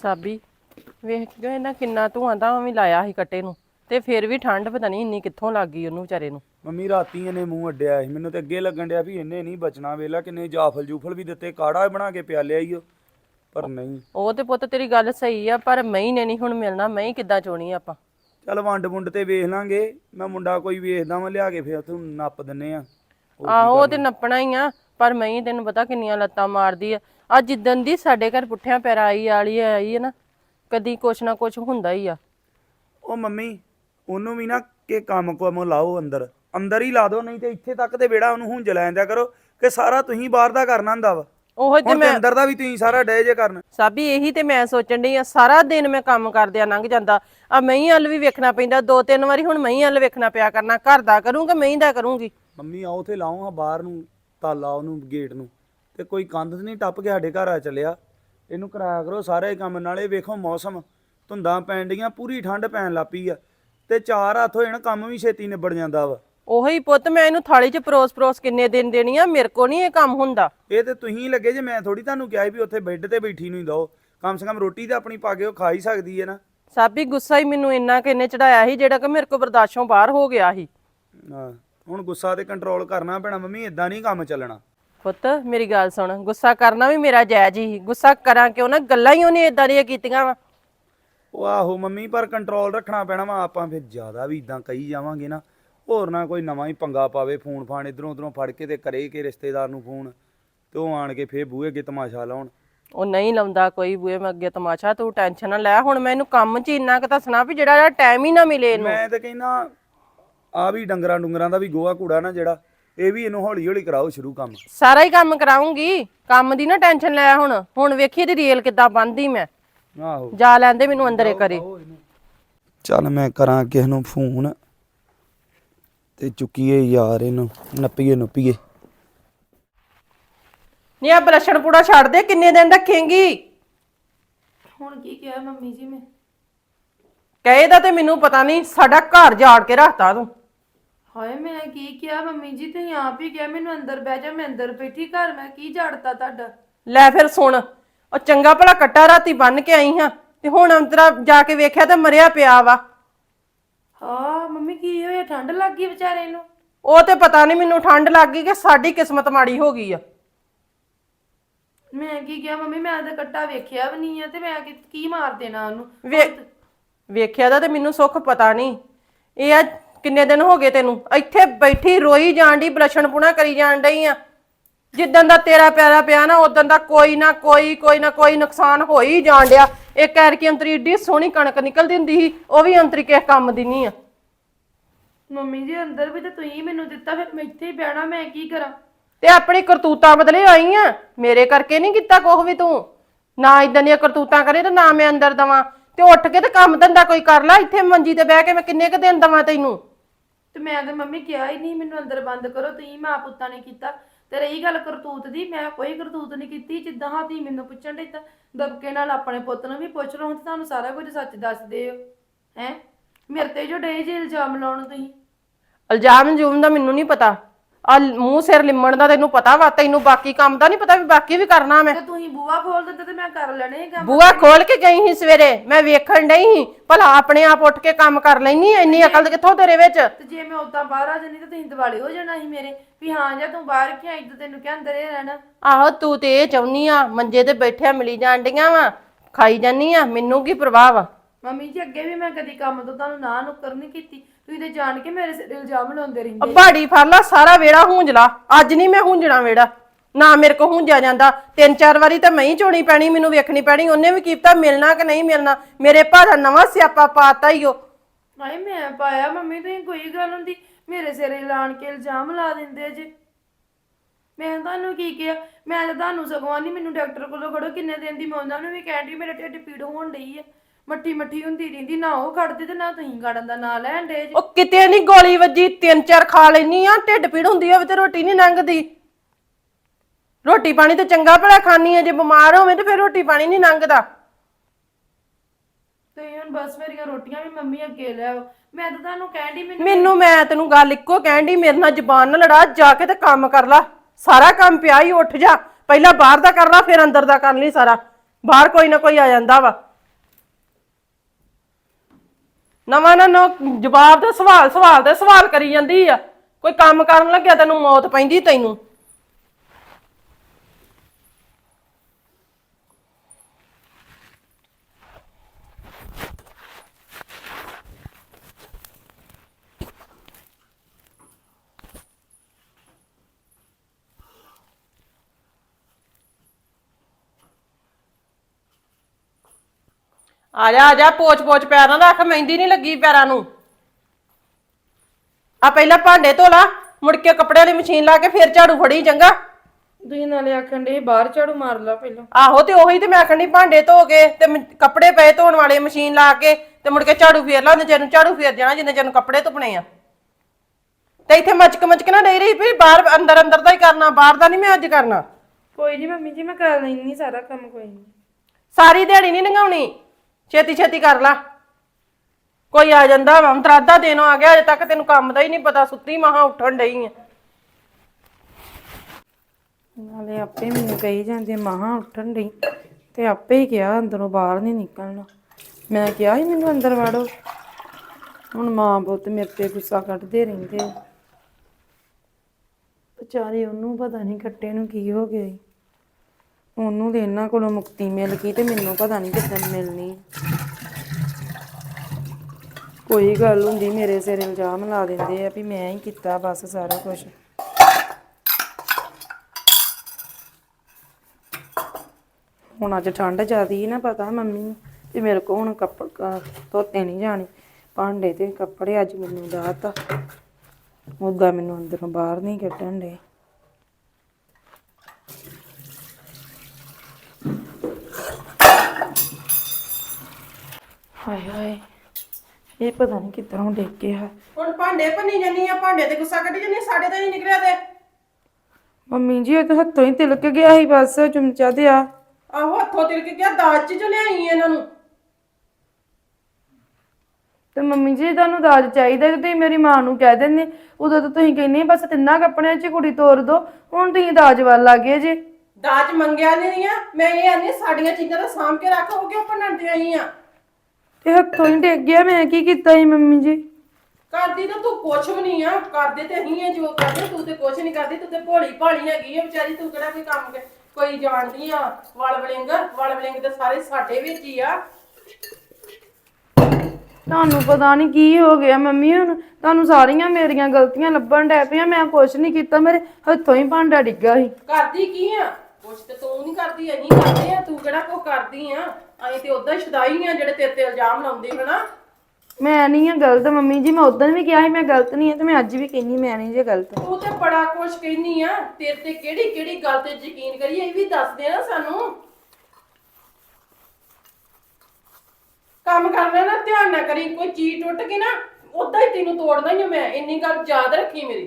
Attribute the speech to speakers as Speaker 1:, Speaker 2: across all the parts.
Speaker 1: ਸਾਬੀ ਵੇਖ ਕੇ ਨਾ ਕਿੰਨਾ ਧੂਆਂ ਦਾ ਵੀ ਲਾਇਆ ਸੀ ਕੱਟੇ ਨੂੰ ਤੇ ਫਿਰ ਵੀ ਠੰਡ ਪਤਾ ਨਹੀਂ ਇੰਨੀ ਕਿੱਥੋਂ ਲੱਗ ਗਈ ਉਹਨੂੰ ਵਿਚਾਰੇ ਨੂੰ।
Speaker 2: ਮੰਮੀ ਰਾਤੀ ਇਹਨੇ ਮੂੰਹ ਅੱਡਿਆ ਸੀ, ਮੈਨੂੰ ਤੇ ਅੱਗੇ ਲੱਗਣ ਡਿਆ ਵੀ ਇਹਨੇ ਨਹੀਂ ਬਚਣਾ। ਵੇਲਾ ਕਿੰਨੇ ਜਾਫਲ ਜੂਫਲ ਵੀ ਦਿੱਤੇ, ਕਾੜਾ ਬਣਾ ਕੇ ਪਿਆਲਿਆ ਈ ਪਰ ਨਹੀਂ।
Speaker 1: ਉਹ ਤੇ ਪੁੱਤ ਤੇਰੀ ਗੱਲ ਸਹੀ ਆ ਪਰ ਮਹੀਂ ਨੇ ਨਹੀਂ ਹੁਣ ਮਿਲਣਾ, ਮਹੀਂ ਕਿੱਦਾਂ ਚੋਣੀ ਆਪਾਂ।
Speaker 2: ਚੱਲ ਵੰਡ ਵੁੰਡ ਤੇ ਵੇਖ ਲਾਂਗੇ, ਮੈਂ ਮੁੰਡਾ ਕੋਈ ਵੇਖਦਾ ਮੈਂ ਲਿਆ ਕੇ ਫਿਰ ਤੁਹਾਨੂੰ ਨੱਪ ਦਿੰਨੇ ਆ।
Speaker 1: ਆਹੋ ਉਹ ਤੇ ਨੱਪਣਾ ਹੀ ਆ ਪਰ ਮਹੀਂ ਤੈਨੂੰ ਪਤਾ ਕਿੰਨੀਆਂ ਲੱਤਾਂ ਮਾਰਦੀ ਆ। ਅੱਜ ਜਿੱਦਣ ਦੀ ਸਾਡੇ ਘਰ ਪੁੱਠਿਆਂ ਪੈਰਾਂ ਆਈ ਹੈ ਨਾ, ਕਦੀ ਕੁਛ ਨਾ ਕੁਛ ਹੁੰਦਾ ਹੀ ਆ।
Speaker 2: ਉਹ ਮੰਮੀ ਉਹਨੂੰ ਵੀ ਨਾ ਕਿ ਕੰਮ ਲਾਓ, ਅੰਦਰ ਅੰਦਰ ਹੀ ਲਾ ਦੋ, ਨਹੀਂ ਤੇ ਇੱਥੇ ਤੱਕ ਤੇ ਵਿਹੜਾ ਉਹਨੂੰ ਹੁੰਜ ਲੈ ਜਾਂਦਿਆ ਕਰੋ ਕਿ ਸਾਰਾ ਤੁਸੀਂ ਬਾਹਰ ਦਾ ਕਰਨਾ ਹੁੰਦਾ ਵਾ।
Speaker 1: ਉਹ ਤੇ ਮੈਂ
Speaker 2: ਅੰਦਰ ਦਾ ਵੀ ਤੁਸੀਂ ਸਾਰਾ ਡੇ ਜੇ ਕਰਨ।
Speaker 1: ਸਾਬੀ ਇਹੀ ਤੇ ਮੈਂ ਸੋਚਣ ਡਈ ਆ, ਸਾਰਾ ਦਿਨ ਮੈਂ ਕੰਮ ਕਰਦਿਆਂ ਲੰਘ ਜਾਂਦਾ ਆ। ਮਹੀਂ ਵੱਲ ਵੀ ਵੇਖਣਾ ਪੈਂਦਾ, 2-3 ਵਾਰੀ ਹੁਣ ਮਹੀਂ ਵੱਲ ਵੇਖਣਾ ਪਿਆ ਕਰਨਾ। ਘਰ ਦਾ ਕਰੂੰਗਾ ਮਹੀਂ ਦਾ ਕਰੂੰਗੀ।
Speaker 2: ਮੰਮੀ ਆਓ ਤੇ ਲਾਓ ਹਾਂ ਬਾਹਰ ਨੂੰ ਤਾਲਾ, ਉਹਨੂੰ ਗੇਟ ਨੂੰ, ਤੇ ਕੋਈ ਕੰਧ ਨਹੀਂ ਟੱਪ ਕੇ ਸਾਡੇ ਘਰ ਆ ਚੱਲਿਆ। ਇਹਨੂੰ ਕਰਾਇਆ ਕਰੋ ਸਾਰੇ ਕੰਮ। ਨਾਲੇ ਵੇਖੋ ਮੌਸਮ, ਧੁੰਦਾਂ ਪੈਣ ਡੀਆਂ, ਪੂਰੀ ਠੰਡ ਪੈਣ ਲੱਪੀ ਆ ਤੇ 4 ਹੱਥ ਹੋਏ ਨਾ ਕੰਮ ਵੀ ਛੇਤੀ ਨਿਬੜ ਜਾਂਦਾ ਵਾ।
Speaker 1: ਉਹੀ ਪੁੱਤ ਮੈਂ ਇਹਨੂੰ ਥਾਲੀ 'ਚ ਪਰੋਸ ਕਿੰਨੇ ਦਿਨ ਦੇਣੀ ਆ, ਮੇਰੇ ਕੋ ਨਹੀਂ ਇਹ ਕੰਮ ਹੁੰਦਾ।
Speaker 2: ਇਹ ਤੇ ਤੁਸੀਂ ਲੱਗੇ ਜੇ, ਮੈਂ ਥੋੜੀ ਤੁਹਾਨੂੰ ਕਿਹਾ ਵੀ ਉੱਥੇ ਬੈੱਡ ਤੇ ਬੈਠੀ ਨੂੰ ਹੀ ਦੋ। ਕਮ ਸੇ ਕਮ ਰੋਟੀ ਤਾਂ ਆਪਣੀ ਪਾ ਕੇ ਉਹ ਖਾ ਹੀ ਸਕਦੀ ਹੈ ਨਾ।
Speaker 1: ਸਾਬੀ ਗੁੱਸਾ ਹੀ ਮੈਨੂੰ ਇੰਨਾ ਕਿ ਇਹਨੇ ਚੜਾਇਆ ਸੀ ਜਿਹੜਾ ਕਿ ਮੇਰੇ ਕੋ ਬਰਦਾਸ਼ਤੋਂ ਬਾਹਰ ਹੋ ਗਿਆ ਸੀ।
Speaker 2: ਹਾਂ ਹੁਣ ਗੁੱਸਾ ਤੇ ਕੰਟਰੋਲ ਕਰਨਾ ਪੈਣਾ ਮੰਮੀ, ਇਦਾਂ ਨਹੀਂ ਕੰਮ ਚੱਲਣਾ।
Speaker 1: ਪੁੱਤ ਮੇਰੀ ਗੱਲ ਸੁਣ, ਗੁੱਸਾ ਕਰਨਾ ਵੀ ਮੇਰਾ ਜਾਇਜ਼ ਹੀ। ਗੁੱਸਾ ਕਰਾਂ ਕਿਉਂ ਨਾ, ਗੱਲਾਂ ਹੀ ਉਹਨੇ ਇਦਾਂ ਦੀਆਂ ਕੀਤੀਆਂ ਵਾ।
Speaker 2: ਉਹ ਆਹੋ ਮੰਮੀ, ਪਰ ਕੰਟਰੋਲ ਰੱਖਣਾ ਪੈਣਾ ਵਾ। ਆਪਾਂ ਫਿਰ ਜ਼ਿਆਦਾ ਵੀ ਇਦਾਂ ਕਹੀ ਜਾਵਾਂਗੇ ਨਾ, ਹੋਰ ਨਾ ਕੋਈ ਨਵਾਂ ਹੀ ਪੰਗਾ ਪਾਵੇ। ਫੋਨ ਫਾਨ ਇਧਰੋਂ ਉਧਰੋਂ ਫੜ ਕੇ ਤੇ ਕਰੇ ਕਿ ਰਿਸ਼ਤੇਦਾਰ ਨੂੰ ਫੋਨ, ਤੇ ਉਹ ਆਣ ਕੇ ਫੇਰ ਬੂਹੇ ਅੱਗੇ ਤਮਾਸ਼ਾ ਲਾਉਣ।
Speaker 1: ਉਹ ਨਹੀਂ ਲਾਉਂਦਾ ਕੋਈ ਬੂਹੇ ਮੈਂ ਅੱਗੇ ਤਮਾਸ਼ਾ, ਤੂੰ ਟੈਨਸ਼ਨ ਨਾ ਲੈ। ਹੁਣ ਮੈਂ ਇਹਨੂੰ ਕੰਮ 'ਚ ਇੰਨਾ ਕੁ ਦੱਸਣਾ ਵੀ ਜਿਹੜਾ ਟਾਈਮ ਹੀ ਨਾ ਮਿਲੇ ਇਹਨੂੰ।
Speaker 2: ਮੈਂ ਤੇ ਕਹਿੰਦਾ ਆ ਵੀ ਡੰਗਰਾਂ ਡੁੰਗਰਾਂ ਦਾ ਵੀ ਗੋਹਾ ਕੂੜਾ ਨਾ ਜਿਹੜਾ, ਇਹ ਵੀ ਇਹਨੂੰ ਹੌਲੀ ਹੌਲੀ ਕਰਾਓ ਸ਼ੁਰੂ ਕੰਮ।
Speaker 1: ਸਾਰਾ ਹੀ ਕੰਮ ਕਰਾਉਂਗੀ, ਕੰਮ ਦੀ ਨਾ ਟੈਨਸ਼ਨ ਲੈ। ਹੁਣ ਵੇਖੀ ਇਹਦੀ ਰੇਲ ਕਿੱਦਾਂ ਬੰਨਦੀ ਮੈਂ।
Speaker 2: ਆਹੋ
Speaker 1: ਜਾ ਲੈਂਦੇ ਮੈਨੂੰ ਅੰਦਰ ਇੱਕ ਵਾਰੀ।
Speaker 2: ਚੱਲ ਮੈਂ ਕਰਾਂ ਕਿਸੇ ਨੂੰ ਫੋਨ ਤੇ ਚੁੱਕੀਏ ਯਾਰ, ਇਹਨੂੰ ਨੱਪੀਏ ਨੁੱਪੀਏ।
Speaker 1: ਨਹੀਂ ਆ ਬਲਸ਼ਣ ਪੂੜਾ ਛੱਡ ਦੇ, ਕਿੰਨੇ ਦਿਨ ਰੱਖੇਂਗੀ?
Speaker 3: ਹੁਣ ਕੀ ਕਿਹਾ ਮੰਮੀ ਜੀ ਮੈਂ?
Speaker 1: ਕਹੇ ਦਾ ਤੇ ਮੈਨੂੰ ਪਤਾ ਨਹੀਂ, ਸਾਡਾ ਘਰ ਜਾੜ ਕੇ ਰੱਖਤਾ ਤੂੰ।
Speaker 3: ਹਾਏ ਮੈਂ ਕੀ ਕਿਹਾ ਮੰਮੀ ਜੀ? ਤੁਸੀਂ ਆਪ ਹੀ ਕਿਹਾ ਮੈਨੂੰ ਅੰਦਰ ਬਹਿ ਜਾ, ਮੈਂ ਅੰਦਰ ਬੈਠੀ। ਘਰ ਮੈਂ ਕੀ ਝਾੜਤਾ ਤੁਹਾਡਾ?
Speaker 1: ਲੈ ਫਿਰ ਸੁਣ, ਉਹ ਚੰਗਾ ਭਲਾ ਕੱਟਾ ਰਾਤੀ ਬੰਨ ਕੇ ਆਈ ਹਾਂ ਤੇ ਹੁਣ ਅੰਤਰਾ ਜਾ ਕੇ ਵੇਖਿਆ ਤੇ ਮਰਿਆ ਪਿਆ ਵਾ।
Speaker 3: ਹਾਂ ਮੰਮੀ ਕੀ ਹੋਇਆ? ਠੰਡ ਲੱਗ ਗਈ ਵਿਚਾਰੇ ਨੂੰ?
Speaker 1: ਉਹ ਤੇ ਪਤਾ ਨਹੀਂ ਮੈਨੂੰ ਠੰਡ ਲੱਗ ਗਈ ਕਿ ਸਾਡੀ ਕਿਸਮਤ ਮਾੜੀ ਹੋ ਗਈ ਆ।
Speaker 3: ਮੈਂ ਕੀ ਕਿਹਾ ਮੰਮੀ? ਮੈਂ ਤਾਂ ਕੱਟਾ ਵੇਖਿਆ ਵੀ ਨਹੀਂ ਆ ਤੇ ਮੈਂ ਕੀ ਮਾਰ ਦੇਣਾ ਉਹਨੂੰ?
Speaker 1: ਵੇਖਿਆ ਦਾ ਤੇ ਮੈਨੂੰ ਸੁੱਖ ਪਤਾ ਨਹੀਂ। ਇਹ ਆ ਕਿੰਨੇ ਦਿਨ ਹੋ ਗਏ ਤੈਨੂੰ ਇੱਥੇ ਬੈਠੀ ਰੋਈ ਜਾਣ ਡਈ, ਬਲਸ਼ਣ ਪੁਣਾ ਕਰੀ ਜਾਣ ਡਈ ਆ। ਜਿੱਦਣ ਦਾ ਤੇਰਾ ਪਿਆਰਾ ਪਿਆ ਨਾ ਉਦੋਂ ਦਾ ਕੋਈ ਨਾ ਕੋਈ ਨੁਕਸਾਨ ਹੋ ਹੀ ਜਾਣ ਡਿਆ। ਇਹ ਕਹਿਰ ਕੀ ਅੰਤਰੀ ਏਡੀ ਸੋਹਣੀ ਕਣਕ ਨਿਕਲਦੀ ਹੁੰਦੀ ਸੀ, ਉਹ ਵੀ ਅੰਤਰੀ ਕਿਸੇ ਕੰਮ ਦੀ ਨਹੀਂ ਆ।
Speaker 3: ਮੰਮੀ ਜੀ ਅੰਦਰ ਵੀ ਤਾਂ ਤੁਸੀਂ ਮੈਨੂੰ ਦਿੱਤਾ, ਫਿਰ ਮੈਂ ਇੱਥੇ ਹੀ ਬਹਿਣਾ, ਮੈਂ ਕੀ ਕਰਾਂ?
Speaker 1: ਤੇ ਆਪਣੀ ਕਰਤੂਤਾਂ ਬਦਲੇ ਆਈ ਆ, ਮੇਰੇ ਕਰਕੇ ਨਹੀਂ ਕੀਤਾ ਕੁਛ ਵੀ ਤੂੰ। ਨਾ ਇਦਾਂ ਦੀਆਂ ਕਰਤੂਤਾਂ ਕਰੇ ਤੇ ਨਾ ਮੈਂ ਅੰਦਰ ਦਵਾਂ। ਤੇ ਉੱਠ ਕੇ ਤੇ ਕੰਮ ਧੰਦਾ ਕੋਈ ਕਰ ਲੈ। ਇੱਥੇ ਮੰਜੀ ਤੇ ਬਹਿ ਕੇ ਮੈਂ ਕਿੰਨੇ ਕੁ ਦਿਨ ਦਵਾਂ ਤੈਨੂੰ?
Speaker 3: ਤੇ ਮੈਂ ਤਾਂ ਮੰਮੀ ਕਿਹਾ ਹੀ ਨਹੀਂ ਮੈਨੂੰ ਅੰਦਰ ਬੰਦ ਕਰੋ, ਤੁਸੀਂ ਮਾਂ ਪੁੱਤਾਂ ਨੇ ਕੀਤਾ। ਤੇ ਰਹੀ ਗੱਲ ਕਰਤੂਤ ਦੀ, ਮੈਂ ਕੋਈ ਕਰਤੂਤ ਨਹੀਂ ਕੀਤੀ। ਜਿੱਦਾਂ ਹਾਥੀ ਮੈਨੂੰ ਪੁੱਛਣ ਡੇ ਤਾਂ ਦਬਕੇ ਨਾਲ ਆਪਣੇ ਪੁੱਤ ਨੂੰ ਵੀ ਪੁੱਛ ਲਓ। ਹੁਣ ਤੁਹਾਨੂੰ ਸਾਰਾ ਕੁਝ ਸੱਚ ਦੱਸਦੇ ਹੋ ਹੈ। ਮੇਰੇ ਤੇ ਜੋ ਡੇ ਜੇ ਇਲਜ਼ਾਮ ਲਾਉਣ ਤੁਸੀਂ।
Speaker 1: ਇਲਜ਼ਾਮ ਜੂਮ ਦਾ ਮੈਨੂੰ ਨਹੀਂ ਪਤਾ, ਆ ਮੂੰਹ ਸਿਰ ਲਿਮਣ ਦਾ ਤੈਨੂੰ ਪਤਾ ਵਾ। ਤੈਨੂੰ ਬਾਕੀ ਕੰਮ ਦਾ ਨਹੀਂ ਪਤਾ ਵੀ ਬਾਕੀ ਵੀ ਕਰਨਾ ਮੈਂ।
Speaker 3: ਤੇ ਤੁਸੀਂ ਬੂਆ ਖੋਲ ਦਿੰਦੇ ਤੇ ਮੈਂ ਕਰ ਲੈਣੇ ਕੰਮ।
Speaker 1: ਬੂਆ ਖੋਲ ਕੇ ਗਈ ਸੀ ਸਵੇਰੇ, ਮੈਂ ਵੇਖਣ ਡਈ ਸੀ ਭਲਾ ਆਪਣੇ ਆਪ ਉੱਠ ਕੇ ਕੰਮ ਕਰ ਲੈਨੀ। ਇੰਨੀ ਅਕਲ ਕਿੱਥੋਂ ਤੇਰੇ ਵਿੱਚ?
Speaker 3: ਤੇ ਜੇ ਮੈਂ ਉਦਾਂ ਬਾਹਰ ਆ ਜਾਂਦੀ ਤਾਂ ਤੁਸੀਂ ਦਿਵਾਲੇ ਹੋ ਜਾਣਾ ਸੀ ਮੇਰੇ ਵੀ ਹਾਂ ਜਾਂ ਤੂੰ ਬਾਹਰ ਕਿਉਂ ਇੱਦਾਂ, ਤੈਨੂੰ ਕਿਹਾ ਅੰਦਰ ਹੀ ਰਹਿਣਾ।
Speaker 1: ਆਹੋ ਤੂੰ ਤੇ ਇਹ ਚਾਹੁੰਦੀ ਆ ਮੰਜੇ ਤੇ ਬੈਠਿਆ ਮਿਲੀ ਜਾਣ ਡੀਆਂ ਵਾ, ਖਾਈ ਜਾਨੀ ਆ, ਮੈਨੂੰ ਕੀ ਪ੍ਰਵਾਹ ਵਾ।
Speaker 3: ਮੰਮੀ ਜੀ ਅੱਗੇ ਵੀ ਮੈਂ ਕਦੀ ਕੰਮ ਤੋਂ ਤੁਹਾਨੂੰ ਨਾ ਨੁੱਕਰ ਨਹੀਂ ਕੀਤੀ, ਤੁਸੀਂ ਤੇ ਜਾਣ ਕੇ ਮੇਰੇ ਸਿਰ ਇਲਜ਼ਾਮ ਲਾਉਂਦੇ ਰਹਿੰਦੇ।
Speaker 1: ਬਾੜੀ ਫੜ ਲਾ, ਸਾਰਾ ਵੇੜਾ ਹੁੰਜ ਲਾ। ਅੱਜ ਨਹੀਂ ਮੈਂ ਹੁੰਜਣਾ ਵੇੜਾ, ਨਾ ਮੇਰੇ ਕੋ ਹੁੰਜਿਆ ਜਾਂਦਾ। 3-4 ਵਾਰੀ ਤਾਂ ਮੈਂ ਹੀ ਚੋਣੀ ਪੈਣੀ, ਮੈਨੂੰ ਵੇਖਣੀ ਪੈਣੀ। ਉਹਨੇ ਵੀ ਕੀਤਾ ਮਿਲਣਾ ਕਿ ਨਹੀਂ ਮਿਲਣਾ। ਮੇਰੇ ਭਾ ਦਾ ਨਵਾਂ ਸਿਆਪਾ ਪਾਤਾ ਹੀ ਉਹ।
Speaker 3: ਨਹੀਂ ਮੈਂ ਪਾਇਆ ਮੰਮੀ, ਤੁਸੀਂ ਕੋਈ ਗੱਲ ਹੁੰਦੀ ਮੇਰੇ ਸਿਰ ਲਾਣ ਕੇ ਇਲਜ਼ਾਮ ਲਾ ਦਿੰਦੇ ਜੇ। ਮੈਂ ਤੁਹਾਨੂੰ ਕੀ ਕਿਹਾ? ਮੈਂ ਤਾਂ ਤੁਹਾਨੂੰ ਸਗੋਂ ਨਹੀਂ ਮੈਨੂੰ ਡਾਕਟਰ ਕੋਲੋਂ ਖੜੋ। ਕਿੰਨੇ ਦਿਨ ਦੀ ਮੈਂ ਉਹਨਾਂ ਨੂੰ ਵੀ ਕਹਿਣ ਡਈ ਮੇਰੇ ਢਿੱਡ ਪੀੜ ਹੋਣ ਡਈ ਆ, ਮੱਠੀ ਹੁੰਦੀ ਰਹਿੰਦੀ। ਨਾ ਉਹ ਖੜਦੇ ਤੇ ਨਾ ਤੁਸੀਂ ਖੜਨ ਦਾ ਨਾਂ ਲੈਣ ਡੇ ਜੇ।
Speaker 1: ਉਹ ਕਿਤੇ ਨਹੀਂ ਗੋਲੀ ਵੱਜੀ, 3-4 ਖਾ ਲੈਨੀ ਆ। ਢਿੱਡ ਪੀੜ ਹੁੰਦੀ ਹੋਵੇ ਤੇ ਰੋਟੀ ਨਹੀਂ ਲੰਘਦੀ। ਰੋਟੀ ਪਾਣੀ ਤੇ ਚੰਗਾ ਭਲਾ ਖਾਣੀ ਆ, ਜੇ ਬਿਮਾਰ ਹੋਵੇ ਤੇ ਫਿਰ ਰੋਟੀ ਪਾਣੀ ਨਹੀਂ ਲੰਘਦਾ।
Speaker 3: ਤੇ ਹੁਣ ਬਸ ਮੇਰੀਆਂ ਰੋਟੀਆਂ ਵੀ ਮੰਮੀ ਅੱਗੇ ਲੈ ਆਓ। ਮੈਂ ਤਾਂ ਤੁਹਾਨੂੰ ਕਹਿਣ ਡਈ
Speaker 1: ਮੈਂ ਤੈਨੂੰ ਗੱਲ ਇੱਕੋ ਕਹਿਣ ਡਈ, ਮੇਰੇ ਨਾਲ ਜ਼ਬਾਨ ਨਾ ਲੜਾ। ਜਾ ਕੇ ਤੇ ਕੰਮ ਕਰ ਲਾ, ਸਾਰਾ ਕੰਮ ਪਿਆ ਹੀ। ਉੱਠ ਜਾ, ਪਹਿਲਾਂ ਬਾਹਰ ਦਾ ਕਰ ਲਾ ਫਿਰ ਅੰਦਰ ਦਾ ਕਰ ਲਈ ਸਾਰਾ। ਬਾਹਰ ਕੋਈ ਨਾ ਕੋਈ ਆ ਜਾਂਦਾ ਵਾ। ਨਵਾਂ ਨਾ ਜਵਾਬ ਦੇ ਸਵਾਲ ਦੇ ਸਵਾਲ ਕਰੀ ਜਾਂਦੀ ਆ। ਕੋਈ ਕੰਮ ਕਰਨ ਲੱਗਿਆ ਤੈਨੂੰ ਮੌਤ ਪੈਂਦੀ ਤੈਨੂੰ। ਆ ਜਾ ਪੋਚ ਪੈਰਾਂ ਨਾਲ ਰੱਖ, ਮਹਿੰਦੀ ਨਹੀਂ ਲੱਗੀ ਪੈਰਾਂ ਨੂੰ। ਆ ਪਹਿਲਾਂ ਭਾਂਡੇ ਧੋ ਲਾ, ਮੁੜ ਕੇ ਕੱਪੜਿਆਂ ਦੀ ਮਸ਼ੀਨ ਲਾ ਕੇ ਫਿਰ ਝਾੜੂ ਫੜੀ ਚੰਗਾ।
Speaker 3: ਤੁਸੀਂ ਨਾਲੇ ਆਖਣ ਦੇ ਬਾਹਰ ਝਾੜੂ ਮਾਰ ਲਾ ਪਹਿਲਾਂ।
Speaker 1: ਆਹੋ ਤੇ ਉਹੀ ਤੇ ਮੈਂ ਆਖਣੀ, ਭਾਂਡੇ ਧੋ ਕੇ ਤੇ ਕੱਪੜੇ ਪਏ ਧੋਣ ਵਾਲੇ ਮਸ਼ੀਨ ਲਾ ਕੇ ਤੇ ਮੁੜ ਕੇ ਝਾੜੂ ਫੇਰ ਲਾ। ਉਹਨੇ ਚਿਰ ਨੂੰ ਝਾੜੂ ਫੇਰ ਜਾਣਾ ਜਿੰਨੇ ਚਿਰ ਨੂੰ ਕੱਪੜੇ ਧੁੱਪਣੇ ਆ। ਤੇ ਇੱਥੇ ਮਚਕ ਨਾ ਡਈ ਰਹੀ ਵੀ ਬਾਹਰ ਅੰਦਰ ਦਾ ਹੀ ਕਰਨਾ, ਬਾਹਰ ਦਾ ਨਹੀਂ ਮੈਂ ਅੱਜ ਕਰਨਾ।
Speaker 3: ਕੋਈ ਨਹੀਂ ਮੰਮੀ ਜੀ, ਮੈਂ ਕਰ ਲੈਣੀ ਸਾਰਾ ਕੰਮ, ਕੋਈ ਨਹੀਂ।
Speaker 1: ਸਾਰੀ ਦਿਹਾੜੀ ਨਹੀਂ ਲੰਘਾਉਣੀ, ਛੇਤੀ ਕਰ ਲਾ। ਕੋਈ ਆ ਜਾਂਦਾ ਵਾ, ਤਰਾਦਾ ਦੇਣੋਂ ਆ ਗਿਆ, ਅਜੇ ਤੱਕ ਤੈਨੂੰ ਕੰਮ ਦਾ ਹੀ ਨਹੀਂ ਪਤਾ, ਸੁੱਤੀ ਮਹਾ ਉੱਠਣ ਡਈ ਆ।
Speaker 3: ਨਾਲੇ ਆਪੇ ਮੈਨੂੰ ਕਹੀ ਜਾਂਦੇ ਮਹਾ ਉੱਠਣ ਡਈ, ਤੇ ਆਪੇ ਹੀ ਕਿਹਾ ਅੰਦਰੋਂ ਬਾਹਰ ਨਹੀਂ ਨਿਕਲਣਾ। ਮੈਂ ਕਿਹਾ ਸੀ ਮੈਨੂੰ ਅੰਦਰ ਵਾੜੋ। ਹੁਣ ਮਾਂ ਪੁੱਤ ਮੇਰੇ ਤੇ ਗੁੱਸਾ ਕੱਢਦੇ ਰਹਿੰਦੇ। ਵਿਚਾਰੇ ਉਹਨੂੰ ਪਤਾ ਨਹੀਂ ਕੱਟੇ ਨੂੰ ਕੀ ਹੋ ਗਿਆ ਈ। ਉਹਨੂੰ ਤੇ ਇਹਨਾਂ ਕੋਲੋਂ ਮੁਕਤੀ ਮਿਲ ਗਈ ਤੇ ਮੈਨੂੰ ਪਤਾ ਨਹੀਂ ਕਿੱਦਣ ਮਿਲਣੀ। ਕੋਈ ਗੱਲ ਹੁੰਦੀ ਮੇਰੇ ਸਿਰ ਇਲਜ਼ਾਮ ਲਾ ਦਿੰਦੇ ਆ ਵੀ ਮੈਂ ਹੀ ਕੀਤਾ ਬਸ ਸਾਰਾ ਕੁਝ। ਹੁਣ ਅੱਜ ਠੰਡ ਜ਼ਿਆਦੀ ਨਾ, ਪਤਾ ਮੰਮੀ ਨੂੰ ਤੇ ਮੇਰੇ ਕੋਲ ਹੁਣ ਕੱਪੜੇ ਧੋਤੇ ਨਹੀਂ ਜਾਣੇ, ਭਾਂਡੇ ਤੇ ਕੱਪੜੇ ਅੱਜ ਮੈਨੂੰ ਦਾਤਾ। ਉਹਦਾ ਮੈਨੂੰ ਅੰਦਰੋਂ ਬਾਹਰ ਨਹੀਂ ਕੱਢਣ ਦੇ। ਹਾਏ ਇਹ ਪਤਾ ਨਹੀਂ ਕਿੱਧਰੋਂ ਡਿੱਗ ਗਿਆ।
Speaker 1: ਹੁਣ ਭਾਂਡੇ ਭੰਨੀ ਜਾਨੀ ਆ, ਭਾਂਡੇ ਤੇ ਗੁੱਸਾ ਕੱਢੀ ਜਾਨੀ, ਸਾਡੇ ਤਾਂ ਨਹੀਂ ਨਿਕਲਿਆ ਤੇ।
Speaker 3: ਮੰਮੀ ਜੀ ਇਹ ਤਾਂ ਹੱਥੋਂ ਹੀ ਤਿਲਕ ਗਿਆ ਸੀ ਬਸ, ਚਮਚਾ ਤੇ ਆ।
Speaker 1: ਆਹੋ ਹੱਥੋਂ ਤਿਲਕ ਗਿਆ, ਦਾਜ ਚ ਲਿਆਈ ਇਹਨਾਂ ਨੂੰ।
Speaker 3: ਤੇ ਮੰਮੀ ਜੀ ਤੁਹਾਨੂੰ ਦਾਜ ਚਾਹੀਦਾ ਤੇ ਤੁਸੀਂ ਮੇਰੀ ਮਾਂ ਨੂੰ ਕਹਿ ਦਿੰਦੇ, ਉਦੋਂ ਤਾਂ ਤੁਸੀਂ ਕਹਿੰਦੇ ਬਸ ਤਿੰਨਾਂ ਕੱਪੜਿਆਂ 'ਚ ਕੁੜੀ ਤੋਰ ਦੋ, ਹੁਣ ਤੁਸੀਂ ਦਾਜ ਵੱਲ ਲੱਗੇ ਜੇ।
Speaker 1: ਦਾਜ ਮੰਗਿਆ ਨਹੀਂ ਆ, ਮੈਂ ਇਹ ਆਨੀ ਸਾਡੀਆਂ ਚੀਜ਼ਾਂ ਤਾਂ ਸਾਂਭ ਕੇ ਰੱਖ, ਹੋ ਕਿਉਂ ਭੰਨਣ ਤੇ ਆਈ ਆ।
Speaker 3: ਤੇ ਹੱਥੋਂ ਹੀ ਡਿੱਗ ਗਿਆ, ਮੈਂ ਕੀ ਕੀਤਾ ਸੀ ਮੰਮੀ ਜੀ।
Speaker 1: ਕਰਦੀ ਤਾਂ ਤੂੰ ਕੁਛ ਵੀ ਨਹੀਂ ਆ, ਕਰਦੇ ਤੇ ਅਸੀਂ ਆ ਜੋ ਕਰਦੇ, ਤੂੰ ਤੇ ਕੁਛ ਨਹੀਂ ਕਰਦੀ, ਤੂੰ ਤੇ ਭੋਲੀ ਭਾਲੀ ਹੈਗੀ ਆ ਵਿਚਾਰੀ। ਤੂੰ ਕਿਹੜਾ ਕੋਈ ਕੰਮ ਕੋਈ ਜਾਣਦੀ ਆ। ਵਲ ਵਲਿੰਗ ਤੇ ਸਾਰੇ ਸਾਡੇ ਵਿੱਚ ਹੀ ਆ।
Speaker 3: ਤੁਹਾਨੂੰ ਪਤਾ ਨਹੀਂ ਕੀ ਹੋ ਗਿਆ ਮੰਮੀ, ਹੁਣ ਤੁਹਾਨੂੰ ਸਾਰੀਆਂ ਮੇਰੀਆਂ ਗਲਤੀਆਂ ਲੱਭਣ ਡੈ ਪਈਆਂ। ਮੈਂ ਕੁਛ ਨਹੀਂ ਕੀਤਾ, ਮੇਰੇ ਹੱਥੋਂ ਹੀ ਭਾਂਡਾ ਡਿੱਗਾ ਸੀ।
Speaker 1: ਕਰਦੀ ਕੀ ਆ ਕੁਛ ਤੇ ਤੂੰ ਨਹੀਂ ਕਰਦੀ, ਅਸੀਂ ਕਰਦੇ ਆ। ਤੂੰ ਕਿਹੜਾ ਕੋ ਕਰਦੀ ਆ, ਅਸੀਂ ਤੇ ਉਦਾਂ ਸ਼ਦਾਈ ਆ ਜਿਹੜੇ ਤੇਰੇ ਤੇ ਇਲਜ਼ਾਮ ਲਾਉਂਦੇ ਹਨਾ।
Speaker 3: ਮੈਂ ਨਹੀਂ ਆ ਗਲਤ ਮੰਮੀ ਜੀ, ਮੈਂ ਉਦੋਂ ਵੀ ਕਿਹਾ ਸੀ ਮੈਂ ਗਲਤ ਨਹੀਂ ਆ, ਤੇ ਮੈਂ ਅੱਜ ਵੀ ਕਹਿੰਦੀ ਮੈਂ ਨਹੀਂ ਜੇ ਗਲਤ।
Speaker 1: ਤੂੰ ਤੇ ਬੜਾ ਕੁਛ ਕਹਿੰਦੀ ਆ, ਤੇਰੇ ਤੇ ਕਿਹੜੀ ਗੱਲ ਤੇ ਯਕੀਨ ਕਰੀਏ ਇਹ ਵੀ ਦੱਸ ਦੇ ਨਾ ਸਾਨੂੰ। ਕੰਮ ਕਰਨਾ ਨਾ ਧਿਆਨ ਨਾ ਕਰੀ, ਕੋਈ ਚੀਜ਼ ਟੁੱਟ ਗਈ ਨਾ ਉਦਾਂ ਹੀ ਤੈਨੂੰ ਤੋੜਦਾ ਹੀ ਆ ਮੈਂ, ਇੰਨੀ ਗੱਲ ਯਾਦ ਰੱਖੀ ਮੇਰੀ।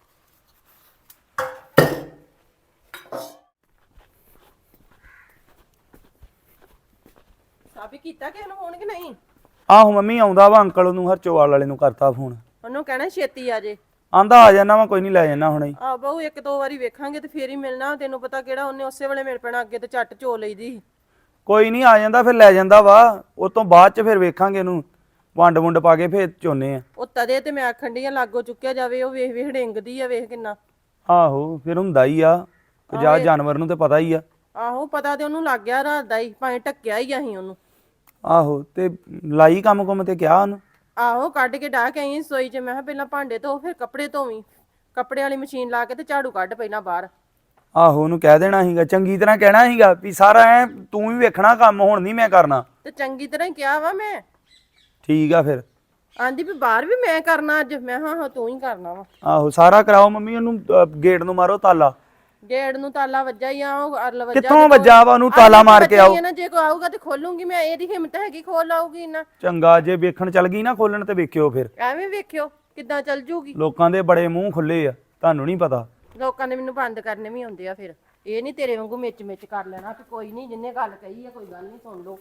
Speaker 1: ਸਾਬੀ ਕੀਤਾ ਕਿ ਇਹਨੂੰ ਫੋਨ ਕਿ ਨਹੀਂ?
Speaker 2: ਆਹੋ ਮੰਮੀ ਆਉਂਦਾ ਵਾ, ਅੰਕਲ ਉਹਨੂੰ ਹਰਚੋਵਾਲ ਵਾਲੇ ਨੂੰ ਕਰਤਾ ਫੋਨ।
Speaker 1: ਉਹਨੂੰ ਕਹਿਣਾ ਛੇਤੀ ਆ ਜੇ।
Speaker 2: ਆਂਦਾ ਆ ਜਾਣਾ ਵਾ, ਕੋਈ ਨਹੀਂ ਲੈ ਜਾਣਾ ਹੁਣੇ।
Speaker 1: ਆ ਬਹੁ ਇੱਕ ਦੋ ਵਾਰੀ ਵੇਖਾਂਗੇ ਤੇ ਫੇਰ ਹੀ ਮਿਲਣਾ, ਤੈਨੂੰ ਪਤਾ ਕਿਹੜਾ ਉਹਨੇ ਉਸੇ ਵੇਲੇ ਮਿਲ ਪੈਣਾ, ਅੱਗੇ ਤੇ ਝੱਟ ਚੋ ਲਈਦੀ।
Speaker 2: ਕੋਈ ਨਹੀਂ ਆ ਜਾਂਦਾ, ਫਿਰ ਲੈ ਜਾਂਦਾ ਵਾ। ਉਹ ਤੋਂ ਬਾਅਦ ਚ ਫਿਰ ਵੇਖਾਂਗੇ ਇਹਨੂੰ, ਵੰਡ ਵੁੰਡ ਪਾ ਕੇ ਫੇਰ ਚੋਨੇ ਆ।
Speaker 1: ਉਹ ਤਦੇ ਤੇ ਮੈਂ ਆਖਣ ਡਈ ਆ ਲਾਗੋ ਚੁੱਕਿਆ ਜਾਵੇ, ਉਹ ਵੇਖ ਵੇਖ ਡਿੰਗਦੀ ਆ, ਵੇਖ ਕਿੰਨਾ।
Speaker 2: ਆਹੋ ਫਿਰ ਹੁੰਦਾ ਹੀ ਆ, ਜਾ ਜਾਨਵਰ ਨੂੰ ਤੇ ਪਤਾ ਹੀ ਆ।
Speaker 1: ਆਹੋ ਪਤਾ ਤੇ ਉਹਨੂੰ ਲੱਗ ਗਿਆ ਰਾਤ ਦਾ ਹੀ, ਭਾਵੇਂ ਢੱਕਿਆ ਹੀ ਅਸੀਂ ਉਹਨੂੰ।
Speaker 2: ਆਹੋ ਤੇ ਲਾਈ ਕੰਮ ਕੁਮ ਤੇ ਕਿਹਾ ਉਹਨੂੰ।
Speaker 1: ਆਹੋ ਕੱਢ ਕੇ ਡਾਹ ਕੇ ਆਈ ਸੋਈ ਚ। ਮੈਂ ਕਿਹਾ ਪਹਿਲਾਂ ਭਾਂਡੇ ਧੋ ਫਿਰ ਕੱਪੜੇ ਧੋਵੀਂ, ਕੱਪੜੇ ਵਾਲੀ ਮਸ਼ੀਨ ਲਾ ਕੇ ਤੇ ਝਾੜੂ ਕੱਢ ਪਹਿਲਾਂ ਬਾਹਰ।
Speaker 2: ਆਹੋ ਉਹਨੂੰ ਕਹਿ ਦੇਣਾ ਸੀਗਾ, ਚੰਗੀ ਤਰ੍ਹਾਂ ਕਹਿਣਾ ਸੀਗਾ ਵੀ ਸਾਰਾ ਐ ਤੂੰ ਵੀ ਵੇਖਣਾ ਕੰਮ, ਹੁਣ ਨਹੀਂ ਮੈਂ ਕਰਨਾ।
Speaker 1: ਤੇ ਚੰਗੀ ਤਰ੍ਹਾਂ ਹੀ ਕਿਹਾ ਵਾ ਮੈਂ।
Speaker 2: ਠੀਕ ਆ ਫਿਰ।
Speaker 1: ਆਂਦੀ ਵੀ ਬਾਹਰ ਵੀ ਮੈਂ ਕਰਨਾ ਅੱਜ। ਮੈਂ ਹਾਂ ਤੂੰ ਹੀ ਕਰਨਾ ਵਾ।
Speaker 2: ਆਹੋ ਸਾਰਾ ਕਰਾਓ ਮੰਮੀ, ਉਹਨੂੰ ਗੇਟ ਨੂੰ ਮਾਰੋ ਤਾਲਾ।
Speaker 1: ਗੇਟ ਨੂੰ ਤਾਲਾ ਵੱਜਾ ਹੀ ਆ, ਉਹ ਅਰਲ ਵੱਜਾ।
Speaker 2: ਕਿੱਥੋਂ ਵੱਜਾ ਵਾ, ਉਹਨੂੰ ਤਾਲਾ ਮਾਰ ਕੇ ਆਓ।
Speaker 1: ਜੇ ਕੋਈ ਆਊਗਾ ਤੇ ਖੋਲੂੰਗੀ ਮੈਂ, ਇਹਦੀ ਹਿੰਮਤ ਹੈਗੀ ਖੋਲ ਆਊਗੀ ਨਾ।
Speaker 2: ਚੰਗਾ, ਜੇ ਵੇਖਣ ਚੱਲ ਗਈ ਨਾ ਖੋਲਣ ਤੇ ਵੇਖਿਓ ਫਿਰ।
Speaker 1: ਐਵੇਂ ਵੇਖਿਓ ਕਿੱਦਾਂ ਚੱਲ ਜੂਗੀ।
Speaker 2: ਲੋਕਾਂ ਦੇ ਬੜੇ ਮੂੰਹ ਖੁੱਲੇ ਆ, ਤੁਹਾਨੂੰ ਨਹੀਂ ਪਤਾ।
Speaker 1: ਲੋਕਾਂ ਨੇ ਮੈਨੂੰ ਬੰਦ ਕਰਨੇ ਵੀ ਆਉਂਦੇ ਆ, ਫਿਰ ਇਹ ਨਹੀਂ ਤੇਰੇ ਵਾਂਗੂ ਮਿਚ ਕਰ ਲੈਣਾ ਕਿ ਕੋਈ ਨਹੀਂ, ਜਿੰਨੇ ਗੱਲ ਕਹੀ ਆ ਕੋਈ ਗੱਲ ਨਹੀਂ, ਸੁਣ ਲਓ।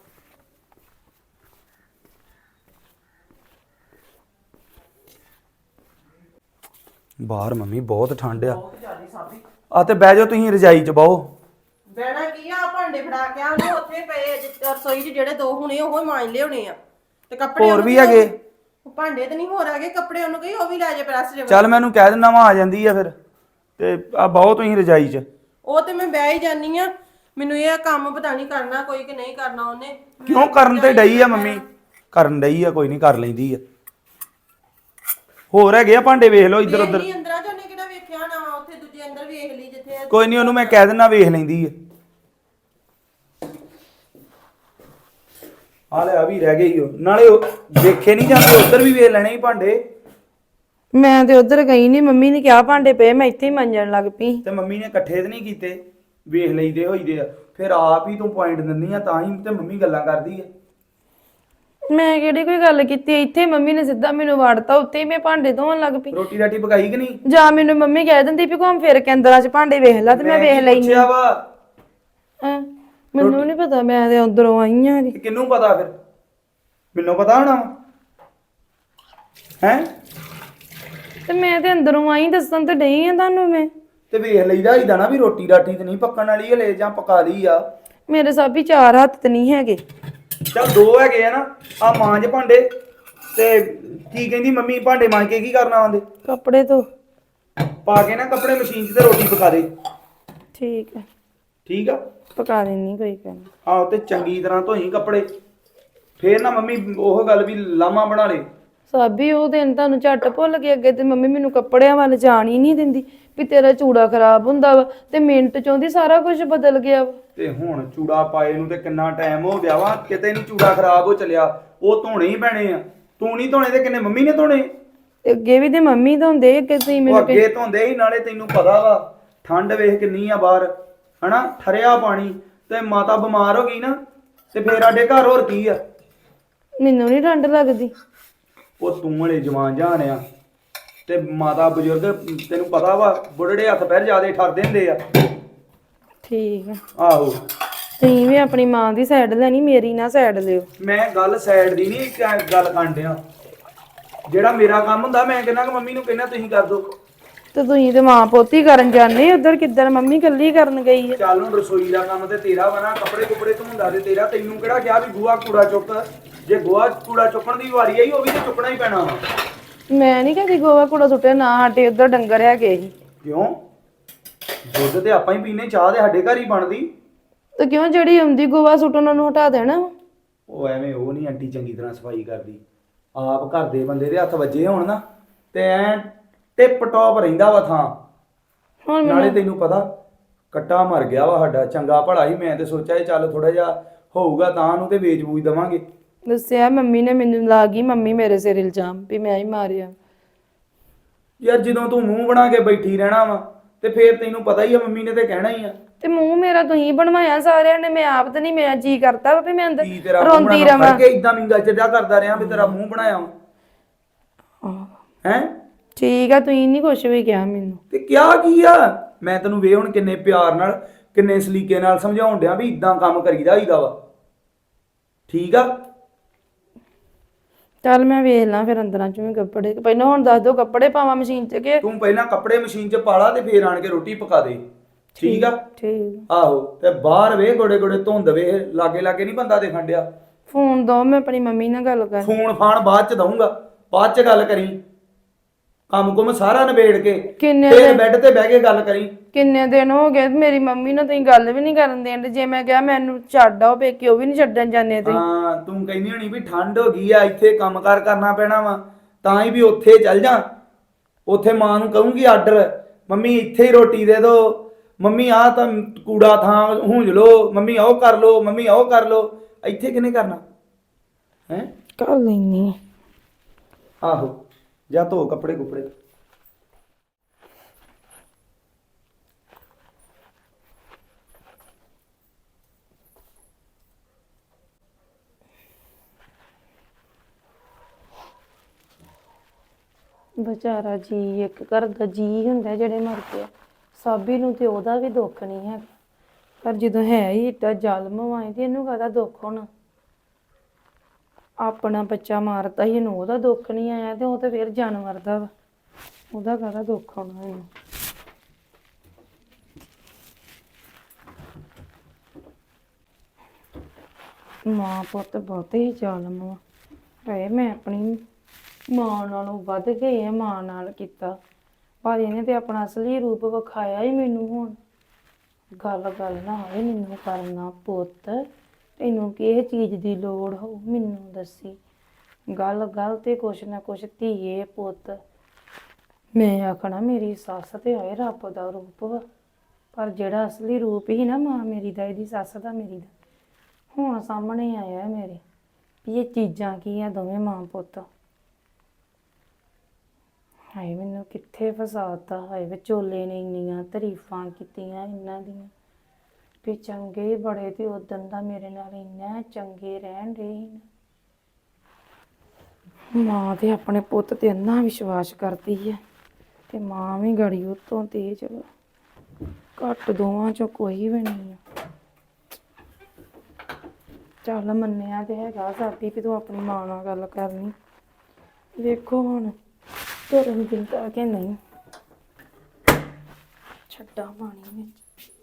Speaker 2: ਬਾਹਰ ਮੰਮੀ ਬਹੁਤ ਠੰਡ ਆ। ਆ ਤੇ ਬਹਿ ਜਾਓ ਤੁਸੀਂ ਰਜਾਈ 'ਚ ਬਾਹੋ।
Speaker 1: ਬਹਿਣਾ ਕੀ ਆ, ਭਾਂਡੇ ਫੜਾ ਕੇ ਆ ਉਹਨੇ ਉੱਥੇ ਪਏ ਰਸੋਈ 'ਚ ਜਿਹੜੇ ਦੋ ਹੁਣੇ ਉਹ ਮਾਂਜ ਲਿਆਉਣੇ ਆ। ਤੇ ਕੱਪੜੇ
Speaker 2: ਹੋਰ ਵੀ ਹੈਗੇ?
Speaker 1: ਉਹ ਭਾਂਡੇ ਤੇ ਨਹੀਂ ਹੋਰ ਆ ਗਏ, ਕੱਪੜੇ ਉਹਨੂੰ ਕਹੀ ਉਹ ਵੀ ਲੈ ਜਾ ਪ੍ਰੈਸ ਜੇ।
Speaker 2: ਚੱਲ ਮੈਂ ਉਹਨੂੰ ਕਹਿ ਦਿੰਦਾ ਵਾ ਆ ਜਾਂਦੀ ਆ ਫਿਰ, ਤੇ ਆ ਬਹੁਤ ਤੁਸੀਂ ਰਜਾਈ 'ਚ।
Speaker 1: ਉਹ ਤੇ ਮੈਂ ਬਹਿ ਹੀ ਜਾਨੀ ਆ, ਮੈਨੂੰ ਇਹ ਕੰਮ ਪਤਾ ਨਹੀਂ ਕਰਨਾ ਕੋਈ ਕਿ ਨਹੀਂ ਕਰਨਾ ਉਹਨੇ।
Speaker 2: ਕਿਉਂ ਕਰਨ ਤੇ ਡਈ ਆ ਮੰਮੀ, ਕਰਨ ਡਈ ਆ, ਕੋਈ ਨਹੀਂ ਕਰ ਲੈਂਦੀ ਆ। ਹੋਰ ਹੈਗੇ ਆ ਭਾਂਡੇ, ਵੇਖ ਲਓ ਇੱਧਰ ਉੱਧਰ।
Speaker 1: ਨਹੀਂ ਅੰਦਰਾਂ ਚ ਉਹਨੇ ਕਿਹੜਾ ਵੇਖਿਆ ਨਾ ਵਾ, ਉੱਥੇ ਦੂਜੇ ਅੰਦਰ ਵੇਖ ਲਈ ਜਿੱਥੇ।
Speaker 2: ਕੋਈ ਨਹੀਂ ਉਹਨੂੰ ਮੈਂ ਕਹਿ ਦਿੰਦਾ ਵੇਖ ਲੈਂਦੀ ਆ। ਆ ਲੈ ਆ ਵੀ ਰਹਿ ਗਈ ਉਹ, ਨਾਲੇ ਉਹ ਦੇਖੇ ਨਹੀਂ ਜਾਂਦੇ, ਉੱਧਰ ਵੀ ਵੇਖ ਲੈਣੇ ਸੀ ਭਾਂਡੇ।
Speaker 3: ਮੈਂ ਤੇ ਉਧਰ ਗਈ ਨਹੀਂ, ਮੰਮੀ ਨੇ ਕਿਹਾ ਭਾਂਡੇ ਪਏ, ਮੈਂ ਇੱਥੇ ਹੀ ਮਾਂਜਣ ਲੱਗ ਪਈ।
Speaker 2: ਤੇ ਮੰਮੀ ਨੇ ਇਕੱਠੇ ਤੇ ਨਹੀਂ ਕੀਤੇ, ਵੇਖ ਲਈਦੇ ਹੋਈਦੇ ਆ, ਫਿਰ ਆਪ ਹੀ ਤੂੰ ਪੁਆਇੰਟ ਦਿੰਦੀ ਆ, ਤਾਂ ਹੀ ਤੇ ਮੰਮੀ ਗੱਲਾਂ ਕਰਦੀ ਆ।
Speaker 3: ਮੈਂ ਕਿਹੜੀ ਕੋਈ ਗੱਲ ਕੀਤੀ, ਇੱਥੇ ਮੰਮੀ ਨੇ ਸਿੱਧਾ ਮੈਨੂੰ ਵਾੜਤਾ, ਉੱਤੇ ਹੀ ਮੈਂ ਭਾਂਡੇ ਧੋਣ ਲੱਗ ਪਈ।
Speaker 2: ਰੋਟੀ ਰਾਟੀ ਪਕਾਈ ਕਿ ਨਹੀਂ?
Speaker 3: ਜਾਂ ਮੈਨੂੰ ਮੰਮੀ ਕਹਿ ਦਿੰਦੀ ਵੀ ਘੁੰਮ ਫਿਰ ਕੇ ਅੰਦਰਾਂ 'ਚ ਭਾਂਡੇ ਵੇਖ ਲੈ, ਤੇ ਮੈਂ ਵੇਖ ਲੈਣੀ।
Speaker 2: ਪੁੱਛਿਆ ਵਾ
Speaker 3: ਮੈਨੂੰ ਨਹੀਂ ਪਤਾ, ਮੈਂ ਤੇ ਅੰਦਰੋਂ ਆਈ ਆ।
Speaker 2: ਤੇ ਕਿਹਨੂੰ ਪਤਾ ਫਿਰ? ਮੈਨੂੰ ਪਤਾ ਹੋਣਾ ਹੈ।
Speaker 3: ਤੇ ਮੈਂ ਤੇ ਅੰਦਰੋਂ ਆਈ, ਦੱਸਣ ਤੇ ਡਈ ਆ ਤੁਹਾਨੂੰ ਮੈਂ।
Speaker 2: ਤੇ ਵੇਖ ਲਈਦਾ ਹੀਦਾ ਨਾ ਵੀ ਰੋਟੀ ਰਾਟੀ ਤੇ ਨਹੀਂ ਪੱਕਣ ਵਾਲੀ ਹਲੇ, ਜਾਂ ਪਕਾ ਲਈ ਆ।
Speaker 3: ਮੇਰੇ ਸਾਬੀ 4 ਹੱਥ ਤੇ ਨਹੀਂ ਹੈਗੇ।
Speaker 2: ਚੱਲ 2 ਹੈਗੇ ਆ ਨਾ, ਆ ਮਾਂਜ ਭਾਂਡੇ। ਤੇ ਕੀ ਕਹਿੰਦੀ ਮੰਮੀ, ਭਾਂਡੇ ਮਾਂਜ ਕੇ ਕੀ ਕਰਨਾ ਆਂਦੇ?
Speaker 3: ਕੱਪੜੇ ਧੋ
Speaker 2: ਪਾ ਕੇ ਨਾ ਕੱਪੜੇ ਮਸ਼ੀਨ 'ਚ ਤੇ ਰੋਟੀ ਪਕਾ ਦੇ।
Speaker 3: ਠੀਕ ਹੈ,
Speaker 2: ਠੀਕ ਆ,
Speaker 3: ਪਕਾ ਦੇਣੀ, ਕੋਈ ਗੱਲ ਨੀ।
Speaker 2: ਆਹੋ ਤੇ ਚੰਗੀ ਤਰ੍ਹਾਂ ਧੋਈ ਕੱਪੜੇ, ਫੇਰ ਨਾ ਮੰਮੀ ਉਹ ਗੱਲ ਵੀ ਲਾਮਾ ਬਣਾ ਲੇ।
Speaker 3: ਸਾਬੀ ਉਹ ਦਿਨ ਤੁਹਾਨੂੰ ਝੱਟ ਭੁੱਲ ਗਏ। ਅੱਗੇ ਤੇ ਮੰਮੀ ਮੈਨੂੰ ਕੱਪੜਿਆਂ ਵੱਲ ਜਾਣ ਹੀ ਨਹੀਂ ਦਿੰਦੀ ਵੀ ਤੇਰਾ ਚੂੜਾ ਖਰਾਬ ਹੁੰਦਾ ਵਾ, ਤੇ ਮਿੰਟ ਚਾਹੁੰਦੀ ਸਾਰਾ ਕੁਝ ਬਦਲ ਗਿਆ ਵਾ।
Speaker 2: ਤੇ ਹੁਣ ਚੂੜਾ ਪਾਏ ਨੂੰ ਤੇ ਕਿੰਨਾ ਟਾਈਮ ਹੋ ਗਿਆ ਵਾ, ਕਿਤੇ ਨਹੀਂ ਚੂੜਾ ਖਰਾਬ ਹੋ ਚੱਲਿਆ। ਉਹ ਧੋਣੇ ਹੀ ਪੈਣੇ ਆ, ਤੂੰ ਨਹੀਂ ਧੋਣੇ ਤੇ ਕਿੰਨੇ ਮੰਮੀ ਨੇ ਧੋਣੇ।
Speaker 3: ਤੇ ਅੱਗੇ ਵੀ ਤੇ ਮੰਮੀ ਧੋਂਦੇ, ਅੱਗੇ ਤੁਸੀਂ
Speaker 2: ਉਹ
Speaker 3: ਮੈਨੂੰ
Speaker 2: ਅੱਗੇ ਧੋਂਦੇ ਹੀ, ਨਾਲੇ ਤੈਨੂੰ ਪਤਾ ਵਾ ਠੰਡ ਵੇਖ ਕਿੰਨੀ ਆ ਬਾਹਰ, ਹਨਾ, ਠਰਿਆ ਪਾਣੀ। ਤੇ ਮਾਤਾ ਬਿਮਾਰ ਹੋ ਗਈ ਨਾ, ਤੇ ਫੇਰ ਸਾਡੇ ਘਰ ਹੋਰ ਕੀ ਆ?
Speaker 3: ਮੈਨੂੰ ਨਹੀਂ ਠੰਡ ਲੱਗਦੀ।
Speaker 2: ਉਹ ਤੂੰ ਹਲੇ ਜਵਾਨ ਜਾਨ ਆ, ਤੇ ਮਾਤਾ ਬਜ਼ੁਰਗ ਤੈਨੂੰ ਪਤਾ ਵਾ ਬੁੱਢੜੇ ਹੱਥ ਪੈਰ ਜਿਆਦੇ ਠਰਦੇ ਹੁੰਦੇ ਆ।
Speaker 3: ਠੀਕ ਆ,
Speaker 2: ਆਹੋ
Speaker 3: ਤੁਸੀਂ ਵੀ ਆਪਣੀ ਮਾਂ ਦੀ ਸਾਈਡ ਲੈਣੀ, ਮੇਰੀ ਨਾ ਸਾਈਡ ਲਿਓ।
Speaker 2: ਮੈਂ ਗੱਲ ਸਾਈਡ ਦੀ ਨਹੀਂ ਗੱਲ ਕਰਨ ਡਿਆ, ਜਿਹੜਾ ਮੇਰਾ ਕੰਮ ਹੁੰਦਾ ਮੈਂ ਕਹਿੰਦਾ ਕਿ ਮੰਮੀ ਨੂੰ ਕਹਿੰਦਾ ਤੁਸੀਂ ਕਰ ਦੋ।
Speaker 3: ਤੇ ਤੁਸੀਂ ਤੇ ਮਾਂ ਪੋਤੀ ਕਰਨ ਜਾਂਦੇ, ਉਧਰ ਕਿੱਧਰ ਮੰਮੀ ਇਕੱਲੀ ਕਰਨ ਗਈ ਆ।
Speaker 2: ਚੱਲ ਹੁਣ ਰਸੋਈ ਦਾ ਕੰਮ ਤੇ ਤੇਰਾ ਵਾ ਨਾ, ਕੱਪੜੇ ਕੁਪੜੇ ਧੋਂਦਾ ਤੇ ਤੇਰਾ। ਤੈਨੂੰ ਕਿਹੜਾ ਕਿਹਾ ਵੀ ਗੋਹਾ ਕੂੜਾ ਚੁੱਕ? ਜੇ ਗੋਹਾ ਕੂੜਾ ਚੁੱਕਣ ਦੀ ਵਾਰੀ ਆਈ, ਉਹ ਵੀ ਤੇ ਚੁੱਕਣਾ ਹੀ ਪੈਣਾ ਵਾ।
Speaker 3: ਮੈਂ ਨਹੀਂ ਕਦੀ ਗੋਵਾ ਕੂੜਾ ਸੁੱਟਿਆ, ਨਾ ਸਾਡੇ ਉਧਰ ਡੰਗਰ ਹੈਗੇ ਸੀ।
Speaker 2: ਕਿਉਂ? ਦੁੱਧ ਤੇ ਆਪਾਂ ਹੀ ਪੀਨੇ, ਚਾਹ ਤੇ ਸਾਡੇ ਘਰ ਹੀ ਬਣਦੀ।
Speaker 3: ਤੇ ਕਿਉਂ ਜਿਹੜੀ ਆਉਂਦੀ ਗੋਵਾ ਸੁੱਟਣ ਉਹਨੂੰ ਹਟਾ ਦੇਣਾ ਵਾ?
Speaker 2: ਉਹ ਐਵੇਂ ਉਹ ਨਹੀਂ ਆਂਟੀ ਚੰਗੀ ਤਰ੍ਹਾਂ ਸਫਾਈ ਕਰਦੀ। ਆਪ ਘਰ ਦੇ ਬੰਦੇ ਦੇ ਹੱਥ ਵੱਜੇ ਹੋਣ ਨਾ, ਤੇ ਐ ਟਿਪ ਟੌਪ ਰਹਿੰਦਾ ਵਾ ਥਾਂ।
Speaker 3: ਹੁਣ
Speaker 2: ਨਾਲੇ ਤੈਨੂੰ ਪਤਾ ਕੱਟਾ ਮਰ ਗਿਆ ਵਾ ਸਾਡਾ, ਚੰਗਾ ਭਲਾ ਹੀ। ਮੈਂ ਤੇ ਸੋਚਿਆ ਚੱਲ ਥੋੜਾ ਜਿਹਾ ਹੋਊਗਾ ਤਾਂ ਨੂੰ ਤੇ ਵੇਚ ਬੂਝ ਦਵਾਂਗੇ।
Speaker 3: ਦੱਸਿਆ ਮੰਮੀ ਨੇ ਮੈਨੂੰ, ਲਾ ਗਈ ਮੰਮੀ ਮੇਰੇ ਸਿਰ ਇਲਜ਼ਾਮ ਵੀ ਮੈਂ ਹੀ ਮਾਰਿਆ।
Speaker 2: ਯਾਰ ਜਦੋਂ ਤੂੰ ਮੂੰਹ ਬਣਾ ਕੇ ਬੈਠੀ ਰਹਿਣਾ ਵਾ, ਤੇ ਫੇਰ ਤੈਨੂੰ ਪਤਾ ਹੀ ਆ ਮੰਮੀ ਨੇ ਤੇ ਕਹਿਣਾ ਹੀ ਆ।
Speaker 3: ਤੇ ਮੂੰਹ ਮੇਰਾ ਤੁਸੀਂ ਬਣਵਾਇਆ ਸਾਰਿਆਂ ਨੇ, ਮੈਂ ਆਪ ਤੇ ਨਹੀਂ, ਮੇਰਾ ਜੀ ਕਰਦਾ ਵਾ ਵੀ ਮੈਂ ਅੰਦਰ
Speaker 2: ਕੀ ਤੇਰਾ ਮੂੰਹ
Speaker 3: ਰੋਂਦੀ
Speaker 2: ਬਣਾ
Speaker 3: ਰਵਾਂ।
Speaker 2: ਕੇ ਇਦਾਂ ਮਿੰਗਾ ਚੱਡਾ ਕਰਦਾ ਰਿਹਾ ਵੀ ਤੇਰਾ ਮੂੰਹ ਬਣਾਇਆ ਵਾ ਹੈ।
Speaker 3: ਠੀਕ ਆ, ਤੁਸੀਂ ਨਹੀਂ ਕੁਛ ਵੀ ਕਿਹਾ ਮੈਨੂੰ।
Speaker 2: ਤੇ ਕਿਹਾ ਕੀ ਆ? ਮੈਂ ਤੈਨੂੰ ਵੇ ਹੁਣ ਕਿੰਨੇ ਪਿਆਰ ਨਾਲ, ਕਿੰਨੇ ਸਲੀਕੇ ਨਾਲ ਸਮਝਾਉਣ ਡਿਆ ਵੀ ਇਦਾਂ ਕੰਮ ਕਰੀਦਾ ਹੀਦਾ ਵਾ। ਠੀਕ ਆ,
Speaker 3: ਚੱਲ ਮੈਂ ਵੇਖ ਲਾਂ ਫਿਰ ਅੰਦਰਾਂ ਚ ਵੀ ਕੱਪੜੇ। ਪਹਿਲਾਂ ਹੁਣ ਦੱਸ ਦੋ, ਕੱਪੜੇ ਪਾਵਾਂ ਮਸ਼ੀਨ ਚ ਕਿ?
Speaker 2: ਤੂੰ ਪਹਿਲਾਂ ਕੱਪੜੇ ਮਸ਼ੀਨ 'ਚ ਪਾ ਲਾ, ਤੇ ਫੇਰ ਆਣ ਕੇ ਰੋਟੀ ਪਕਾ ਦੇ। ਠੀਕ ਆ,
Speaker 3: ਠੀਕ।
Speaker 2: ਆਹੋ। ਤੇ ਬਾਹਰ ਵੇ ਗੋੜੇ ਗੋੜੇ ਧੁੰਦ ਵੇ, ਲਾਗੇ ਲਾਗੇ ਨਹੀਂ ਬੰਦਾ ਦੇਖਣ ਡਿਆ।
Speaker 3: ਫੋਨ ਦੋ, ਮੈਂ ਆਪਣੀ ਮੰਮੀ ਨਾਲ ਗੱਲ ਕਰ।
Speaker 2: ਫੋਨ ਫਾਨ ਬਾਅਦ 'ਚ ਦਊਂਗਾ, ਬਾਅਦ 'ਚ ਗੱਲ ਕਰੀ। ਕੰਮ ਕੁਮ ਸਾਰਾ ਨਿਬੇੜ ਕੇ ਫੇਰ ਬੈੱਡ ਤੇ ਬਹਿ ਕੇ ਗੱਲ ਕਰੀ।
Speaker 3: ਕਿੰਨੇ ਦਿਨ ਹੋ ਗਏ ਮੇਰੀ ਮੰਮੀ ਨਾਲ ਤੁਸੀਂ ਗੱਲ ਵੀ ਨਹੀਂ ਕਰਨ ਦੇਣ। ਜੇ ਮੈਂ ਕਿਹਾ ਮੈਨੂੰ ਛੱਡ ਆਓ ਪੇਕੇ, ਉਹ ਵੀ ਨਹੀਂ ਛੱਡਣ ਜਾਂਦੇ ਤੁਸੀਂ।
Speaker 2: ਹਾਂ, ਤੂੰ ਕਹਿੰਦੀ ਹੋਣੀ ਵੀ ਠੰਡ ਹੋ ਗਈ ਆ, ਇੱਥੇ ਕੰਮਕਾਰ ਕਰਨਾ ਪੈਣਾ ਵਾ, ਤਾਂ ਹੀ ਵੀ ਉੱਥੇ ਚੱਲ ਜਾ। ਉੱਥੇ ਮਾਂ ਨੂੰ ਕਹੂੰਗੀ ਆਰਡਰ, ਮੰਮੀ ਇੱਥੇ ਹੀ ਰੋਟੀ ਦੇ ਦੋ, ਮੰਮੀ ਆਹ ਤਾਂ ਕੂੜਾ ਥਾਂ ਹੂੰਜ ਲੋ, ਮੰਮੀ ਉਹ ਕਰ ਲੋ, ਮੰਮੀ ਉਹ ਕਰ ਲੋ। ਇੱਥੇ ਕਿਹਨੇ ਕਰਨਾ ਹੈ?
Speaker 3: ਕਰ ਲੈਣੀ।
Speaker 2: ਆਹੋ, ਜਾ ਧੋ ਕੱਪੜੇ ਕੁਪੜੇ।
Speaker 3: ਵਿਚਾਰਾ ਜੀ, ਇੱਕ ਘਰ ਦਾ ਜੀ ਹੁੰਦਾ ਜਿਹੜੇ ਮਰ ਗਿਆ। ਸਾਬੀ ਨੂੰ ਤੇ ਉਹਦਾ ਵੀ ਦੁੱਖ ਨਹੀਂ ਹੈ, ਪਰ ਜਦੋਂ ਹੈ ਹੀ ਏਡਾ ਜ਼ਾਲਮ ਵਾਏ ਤੇ ਇਹਨੂੰ ਕਾਹਦਾ ਦੁੱਖ ਹੋਣਾ? ਆਪਣਾ ਬੱਚਾ ਮਾਰਤਾ ਹੀ, ਇਹਨੂੰ ਉਹਦਾ ਦੁੱਖ ਨਹੀਂ ਆਇਆ, ਤੇ ਉਹ ਤੇ ਫਿਰ ਜਾਨਵਰ ਦਾ ਵਾ, ਉਹਦਾ ਕਾਹਦਾ ਦੁੱਖ ਹੋਣਾ ਇਹਨੂੰ? ਮਾਂ ਪੁੱਤ ਬਹੁਤੇ ਹੀ ਜ਼ਾਲਮ ਵਾ। ਹਾਏ ਮੈਂ ਆਪਣੀ ਮਾਂ ਨਾਲੋਂ ਵੱਧ ਕੇ ਇਹ ਮਾਂ ਨਾਲ ਕੀਤਾ, ਪਰ ਇਹਨੇ ਤੇ ਆਪਣਾ ਅਸਲੀ ਰੂਪ ਵਿਖਾਇਆ ਹੀ ਮੈਨੂੰ ਹੁਣ। ਗੱਲ ਗੱਲ ਨਾ ਹੋਵੇ ਮੈਨੂੰ ਕਰਨਾ ਪੁੱਤ, ਤੈਨੂੰ ਕਿਹ ਚੀਜ਼ ਦੀ ਲੋੜ ਹੋ ਮੈਨੂੰ ਦੱਸੀ। ਗੱਲ ਗੱਲ ਤੇ ਕੁਛ ਨਾ ਕੁਛ ਧੀਏ ਪੁੱਤ, ਮੈਂ ਆਖਣਾ ਮੇਰੀ ਸੱਸ ਤੇ ਹੋਏ ਰੱਬ ਦਾ ਰੂਪ ਵਾ, ਪਰ ਜਿਹੜਾ ਅਸਲੀ ਰੂਪ ਹੀ ਨਾ ਮਾਂ ਮੇਰੀ ਦਾ, ਇਹਦੀ ਸੱਸ ਦਾ ਮੇਰੀ ਦਾ, ਹੁਣ ਸਾਹਮਣੇ ਆਇਆ ਮੇਰੇ ਵੀ ਇਹ ਚੀਜ਼ਾਂ ਕੀ ਆ ਦੋਵੇਂ ਮਾਂ ਪੁੱਤ। ਹਾਏ ਮੈਨੂੰ ਕਿੱਥੇ ਫਸਾਤਾ, ਹਾਏ ਵਿਚੋਲੇ ਨੇ ਇੰਨੀਆਂ ਤਾਰੀਫਾਂ ਕੀਤੀਆਂ ਇਹਨਾਂ ਦੀਆਂ ਵੀ ਚੰਗੇ ਬੜੇ, ਤੇ ਉਦੋਂ ਦਾ ਮੇਰੇ ਨਾਲ ਇੰਨਾ ਚੰਗੇ ਰਹਿਣ ਰਹੇ। ਮਾਂ ਤੇ ਆਪਣੇ ਪੁੱਤ ਤੇ ਇੰਨਾ ਵਿਸ਼ਵਾਸ ਕਰਦੀ ਹੈ ਤੇ ਮਾਂ ਵੀ ਗੜੀ ਉਤੋਂ ਤੇਜ ਵਾ, ਘੱਟ ਦੋਵਾਂ ਚੋਂ ਕੋਈ ਵੀ ਨਹੀਂ ਆ। ਚੱਲ ਮੰਨਿਆ ਤੇ ਹੈਗਾ ਸਾਡੀ ਵੀ ਤੂੰ ਆਪਣੀ ਮਾਂ ਨਾਲ ਗੱਲ ਕਰਨੀ, ਵੇਖੋ ਹੁਣ ਤੁਰਨ ਦਿੰਦਾ ਕਿ ਨਹੀਂ। ਛੱਡਾ ਪਾਣੀ ਵਿੱਚ।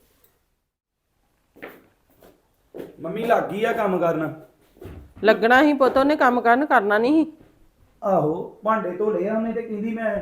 Speaker 2: ਮੰਮੀ ਲੱਗ ਗਈ ਆ ਕੰਮ ਕਰਨ।
Speaker 1: ਲੱਗਣਾ ਹੀ ਪੁੱਤ, ਉਹਨੇ ਕੰਮ ਕਰਨਾ ਨਹੀਂ ਸੀ।
Speaker 2: ਆਹੋ ਭਾਂਡੇ ਧੋ ਲਏ ਆ ਉਹਨੇ, ਤੇ ਕਹਿੰਦੀ ਮੈਂ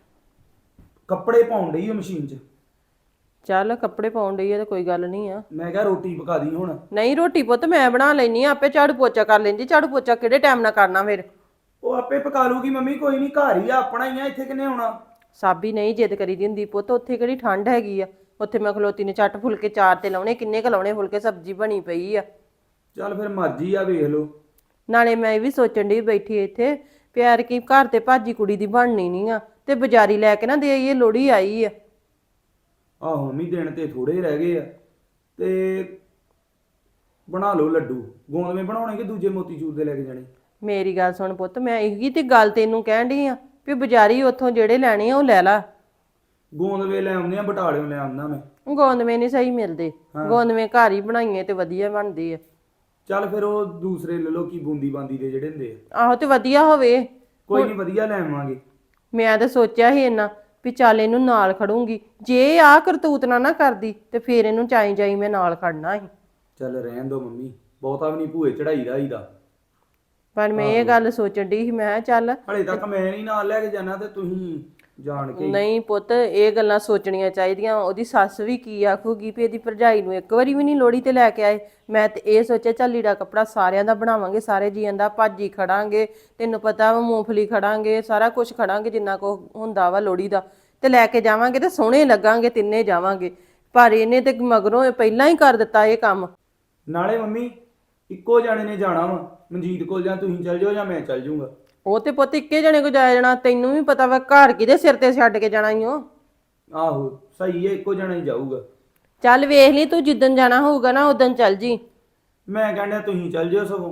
Speaker 2: ਕੱਪੜੇ ਪਾਉਣ ਡਈ ਆ ਮਸ਼ੀਨ 'ਚ।
Speaker 1: ਚੱਲ ਕੱਪੜੇ ਪਾਉਣ ਡਈ ਆ ਤੇ ਕੋਈ ਗੱਲ ਨਹੀਂ ਆ।
Speaker 2: ਮੈਂ ਕਿਹਾ ਰੋਟੀ ਪਕਾ ਦੀ ਹੁਣ।
Speaker 1: ਨਹੀਂ ਰੋਟੀ ਪੁੱਤ ਮੈਂ ਬਣਾ ਲੈਣੀ ਆ, ਆਪੇ ਝਾੜੂ ਪੋਚਾ ਕਰ ਲੈਂਦੀ। ਝਾੜੂ ਪੋਚਾ ਕਿਹੜੇ ਟਾਈਮ ਨਾਲ ਕਰਨਾ ਫਿਰ?
Speaker 2: ਉਹ ਆਪੇ ਪਕਾ ਲੂਗੀ ਮੰਮੀ, ਕੋਈ ਨਹੀਂ, ਘਰ ਹੀ ਆ ਆਪਣਾ ਹੀ ਆ, ਇੱਥੇ ਕਿੰਨੇ ਆਉਣਾ।
Speaker 1: ਸਾਬੀ ਨਹੀਂ ਜਿੱਦ ਕਰੀ ਦੀ ਹੁੰਦੀ ਪੁੱਤ, ਉੱਥੇ ਕਿਹੜੀ ਠੰਡ ਹੈਗੀ ਆ? ਉੱਥੇ ਮੈਂ ਖਲੋਤੀ ਨੇ ਝੱਟ ਫੁਲਕੇ ਚਾਰ ਤੇ ਲਾਉਣੇ, ਕਿੰਨੇ ਕੁ ਲਾਉਣੇ ਫੁਲਕੇ, ਸਬਜ਼ੀ ਬਣੀ ਪਈ ਆ।
Speaker 2: ਚੱਲ ਫਿਰ ਮਰਜ਼ੀ ਆ, ਵੇਖ ਲਓ।
Speaker 1: ਨਾਲੇ ਮੈਂ ਇਹ ਵੀ ਸੋਚਣ ਡਈ ਬੈਠੀ ਇੱਥੇ, ਪਿਆਰ ਕੀ ਘਰ ਤੇ ਭਾਜੀ ਕੁੜੀ ਦੀ ਬਣਨੀ ਨਹੀਂ ਆ, ਤੇ ਬਾਜ਼ਾਰੀ ਲੈ ਕੇ ਨਾ ਦੇ ਆਈਏ, ਲੋੜੀ ਆਈ ਆ।
Speaker 2: ਆਹੋ ਮੰਮੀ ਦਿਨ ਤੇ ਥੋੜੇ ਰਹਿ ਗਏ ਆ, ਤੇ ਬਣਾ ਲਓ ਲੱਡੂ। ਗੋਂਦਵੇਂ ਬਣਾਉਣੇ ਕਿ ਦੂਜੇ ਮੋਤੀਚੂਰ ਦੇ ਲੈ ਕੇ ਜਾਣੇ?
Speaker 1: ਮੇਰੀ ਗੱਲ ਸੁਣ ਪੁੱਤ, ਮੈਂ ਇਹੀ ਤੇ ਗੱਲ ਤੈਨੂੰ ਕਹਿਣ ਡਈ ਆ ਵੀ ਬਾਜ਼ਾਰੀ ਉੱਥੋਂ ਜਿਹੜੇ ਲੈਣੇ ਆ ਉਹ ਲੈ ਲਾ।
Speaker 2: ਗੋਂਦਵੇਂ ਲੈ ਆਉਂਦੇ ਆ, ਬਟਾਲਿਓਂ ਲੈ ਆਉਂਦਾ ਮੈਂ।
Speaker 1: ਗੋਂਦਵੇਂ ਨਹੀਂ ਸਹੀ ਮਿਲਦੇ, ਗੋਂਦਵੇਂ ਘਰ ਹੀ ਬਣਾਈਏ ਤੇ ਵਧੀਆ ਬਣਦੇ ਆ।
Speaker 2: ਚੱਲ ਫਿਰ ਉਹ ਦੂਸਰੇ ਲੈ ਲਓ, ਕੀ ਬੂੰਦੀ ਬਾਂਦੀ ਦੇ ਜਿਹੜੇ ਹੁੰਦੇ ਆ।
Speaker 1: ਆਹੋ ਤੇ ਵਧੀਆ ਹੋਵੇ।
Speaker 2: ਕੋਈ ਨਹੀਂ, ਵਧੀਆ ਲੈ ਆਵਾਂਗੇ।
Speaker 1: ਮੈਂ ਤਾਂ ਸੋਚਿਆ ਸੀ ਇੰਨਾ ਵੀ ਚੱਲ ਇਹਨੂੰ ਨਾਲ ਖੜੂੰਗੀ, ਜੇ ਆਹ ਕਰਤੂਤ ਨਾ ਕਰਦੀ ਤੇ ਫੇਰ ਇਹਨੂੰ ਚਾਈ ਜਾਈ ਮੈਂ ਨਾਲ ਖੜਨਾ ਸੀ।
Speaker 2: ਚੱਲ ਰਹਿਣ ਦੋ ਮੰਮੀ, ਬਹੁਤਾ ਵੀ ਨਹੀਂ ਭੂਏ ਚੜਾਈ ਦਾ।
Speaker 1: ਪਰ ਮੈਂ ਇਹ ਗੱਲ ਸੋਚਣ ਡਈ ਸੀ, ਮੈਂ ਕਿਹਾ ਚੱਲ
Speaker 2: ਹਲੇ ਤੱਕ ਮੈਂ ਨਹੀਂ ਨਾਲ ਲੈ ਕੇ ਜਾਣਾ, ਤੇ ਤੁਸੀਂ ਜਾਣ ਕੇ
Speaker 1: ਨਹੀਂ ਪੁੱਤ ਇਹ ਗੱਲਾਂ ਸੋਚਣੀਆਂ ਚਾਹੀਦੀਆਂ। ਉਹਦੀ ਸੱਸ ਵੀ ਕੀ ਆਖੂਗੀ ਵੀ ਇਹਦੀ ਭਰਜਾਈ ਨੂੰ ਇੱਕ ਵਾਰੀ ਵੀ ਨਹੀਂ ਲੋੜੀ ਤੇ ਲੈ ਕੇ ਆਏ। ਮੈਂ ਤੇ ਇਹ ਸੋਚਿਆ ਚੱਲ ਲੀੜਾ ਕੱਪੜਾ ਸਾਰਿਆਂ ਦਾ ਬਣਾਵਾਂਗੇ, ਸਾਰੇ ਜੀਆਂ ਦਾ, ਭਾਜੀ ਖੜਾਂਗੇ, ਤੈਨੂੰ ਪਤਾ ਵਾ ਮੂੰਗਫਲੀ ਖੜਾਂਗੇ, ਸਾਰਾ ਕੁਝ ਖੜਾਂਗੇ ਜਿੰਨਾ ਕੋ ਹੁੰਦਾ ਵਾ ਲੋੜੀ ਦਾ, ਤੇ ਲੈ ਕੇ ਜਾਵਾਂਗੇ ਤੇ ਸੋਹਣੇ ਲੱਗਾਂਗੇ, ਤਿੰਨੇ ਜਾਵਾਂਗੇ। ਪਰ ਇਹਨੇ ਤੇ ਮਗਰੋਂ ਪਹਿਲਾਂ ਹੀ ਕਰ ਦਿੱਤਾ ਇਹ ਕੰਮ।
Speaker 2: ਨਾਲੇ ਮੰਮੀ ਇੱਕੋ ਜਾਣੇ ਨੇ ਜਾਣਾ ਵਾ, ਮਨਜੀਤ ਕੋਲ, ਜਾਂ ਤੁਸੀਂ ਚੱਲ ਜਾਓ ਜਾਂ ਮੈਂ ਚੱਲ ਜਾਊਂਗਾ।
Speaker 1: ਉਹ ਤੇ ਪੁੱਤ ਇੱਕੇ ਜਣੇ ਕੋ ਜਾਇਆ ਜਾਣਾ, ਤੈਨੂੰ ਵੀ ਪਤਾ ਵਾ ਘਰ ਕਿਹਦੇ ਸਿਰ ਤੇ ਛੱਡ ਕੇ ਜਾਣਾ ਈ ਓ।
Speaker 2: ਆਹੋ ਸਹੀ ਹੈ, ਇੱਕੋ ਜਣਾ ਹੀ ਜਾਊਗਾ।
Speaker 1: ਚੱਲ ਵੇਖ ਲਈ ਤੂੰ, ਜਿੱਦਣ ਜਾਣਾ ਹੋਊਗਾ ਨਾ ਉਦੋਂ ਚੱਲ ਜੀ।
Speaker 2: ਮੈਂ ਕਹਿੰਦਾ ਤੁਸੀਂ ਚੱਲ ਜਿਓ ਸਗੋਂ।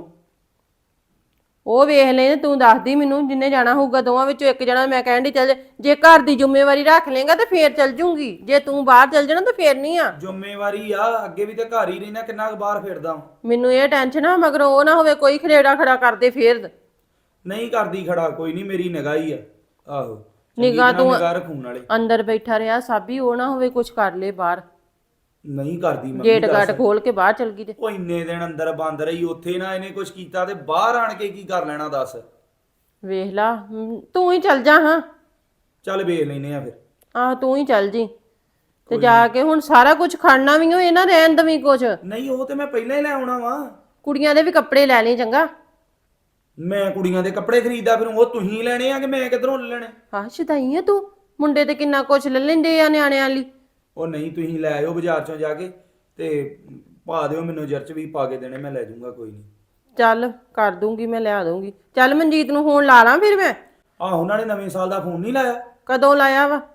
Speaker 1: ਉਹ ਵੇਖ ਲੈ, ਤੂੰ ਦੱਸਦੀ ਮੈਨੂੰ ਜਿੰਨੇ ਜਾਣਾ ਹੋਊਗਾ ਦੋਵਾਂ ਵਿੱਚੋਂ ਇੱਕ ਜਣਾ। ਮੈਂ ਕਹਿਣ ਦੀ ਚੱਲ, ਜੇ ਘਰ ਦੀ ਜ਼ਿੰਮੇਵਾਰੀ ਰੱਖ ਲੇਗਾ ਤੇ ਫੇਰ ਚੱਲ ਜੂੰਗੀ, ਜੇ ਤੂੰ ਬਾਹਰ ਚੱਲ ਜਾਣਾ ਤਾਂ ਫੇਰ ਨਹੀਂ ਆ।
Speaker 2: ਜ਼ਿੰਮੇਵਾਰੀ ਆ, ਅੱਗੇ ਵੀ ਤੇ ਘਰ ਹੀ ਰਹਿਣਾ, ਕਿੰਨਾ ਕੁ ਬਾਹਰ ਫਿਰਦਾ।
Speaker 1: ਮੈਨੂੰ ਇਹ ਟੈਨਸ਼ਨ ਆ ਮਗਰੋਂ ਉਹ ਨਾ ਹੋਵੇ ਕੋਈ ਖਰੇੜਾ ਖੜਾ ਕਰਦੇ ਫੇਰ।
Speaker 2: ਨਹੀਂ ਕਰਦੀ ਖੜਾ, ਕੋਈ ਨਹੀਂ, ਮੇਰੀ ਨਿਗਾਹ ਹੀ ਆ। ਆਹੋ
Speaker 1: ਨਿਗਾਹ ਤੂੰ
Speaker 2: ਨਿਗਾਹ ਰੱਖੂਣ ਵਾਲੇ।
Speaker 1: ਅੰਦਰ ਬੈਠਾ ਰਿਹਾ ਸਾਬੀ, ਉਹ ਨਾ ਹੋਵੇ ਕੁਝ ਕਰ ਲੇ ਬਾਹਰ,
Speaker 2: ਨਹੀਂ ਕਰਦੀ ਮੰਮੀ।
Speaker 1: ਗੇਟ ਗਾਟ ਖੋਲ ਕੇ ਬਾਹਰ ਚਲ ਗਈ ਤੇ।
Speaker 2: ਉਹ ਇੰਨੇ ਦਿਨ ਅੰਦਰ ਬੰਦ ਰਹੀ, ਉੱਥੇ ਨਾ ਇਹਨੇ ਕੁਝ ਕੀਤਾ ਤੇ ਬਾਹਰ ਆਣ ਕੇ ਕੀ ਕਰ ਲੈਣਾ ਦੱਸ।
Speaker 1: ਵੇਖ ਲਾ, ਤੂੰ ਹੀ ਚੱਲ ਜਾ। ਹਾਂ
Speaker 2: ਚੱਲ ਵੇਖ ਲੈਨੇ ਆ ਫਿਰ।
Speaker 1: ਆਹ ਤੂੰ ਹੀ ਚੱਲ ਜੀ, ਤੇ ਜਾ ਕੇ ਹੁਣ ਸਾਰਾ ਕੁਝ ਖੜਨਾ ਵੀ ਹੋ, ਇਹਨਾਂ ਰਹਿਣ ਦਵੀਂ ਕੁਝ।
Speaker 2: ਨਹੀਂ ਉਹ ਤੇ ਮੈਂ ਪਹਿਲਾਂ ਹੀ ਲੈ ਆਉਣਾ ਵਾ।
Speaker 1: ਕੁੜੀਆਂ ਦੇ ਵੀ ਕੱਪੜੇ ਲੈ ਲਈ ਚੰਗਾ।
Speaker 2: ਮੈਂ ਕੁੜੀਆਂ ਦੇ ਕੱਪੜੇ ਖਰੀਦਦਾ, ਫਿਰ ਉਹ ਤੁਸੀਂ ਲੈਣੇ ਆ ਕਿ ਮੈਂ ਕਿੱਧਰੋਂ ਲੈ ਲੈਣੇ?
Speaker 1: ਹਾਂ ਸ਼ਦਾਈ ਆ ਤੂੰ, ਮੁੰਡੇ ਤੇ ਕਿੰਨਾ ਕੁਝ ਲੈ ਲੈਂਦੇ ਆ ਨਿਆਣਿਆਂ ਲਈ।
Speaker 2: ਉਹ ਨਹੀਂ, ਤੁਸੀਂ ਲੈ ਆਇਓ ਬਾਜ਼ਾਰ ਚੋਂ ਜਾ ਕੇ, ਤੇ ਪਾ ਦਿਓ ਮੈਨੂੰ ਜਰਚ ਵੀ ਪਾ ਕੇ ਦੇਣੇ, ਮੈਂ ਲੈ ਜਾਊਂਗਾ, ਕੋਈ ਨਹੀਂ।
Speaker 1: ਚੱਲ ਕਰ ਦੂੰਗੀ, ਮੈਂ ਲਿਆ ਦੂੰਗੀ। ਚੱਲ ਮਨਜੀਤ ਨੂੰ ਫੋਨ ਲਾ ਲਾਂ ਫਿਰ ਮੈਂ।
Speaker 2: ਆਹੋ ਉਹਨਾਂ ਨੇ ਨਵੇਂ ਸਾਲ ਦਾ ਫੋਨ ਨਹੀਂ ਲਾਇਆ?
Speaker 1: ਕਦੋਂ ਲਾਇਆ ਵਾ?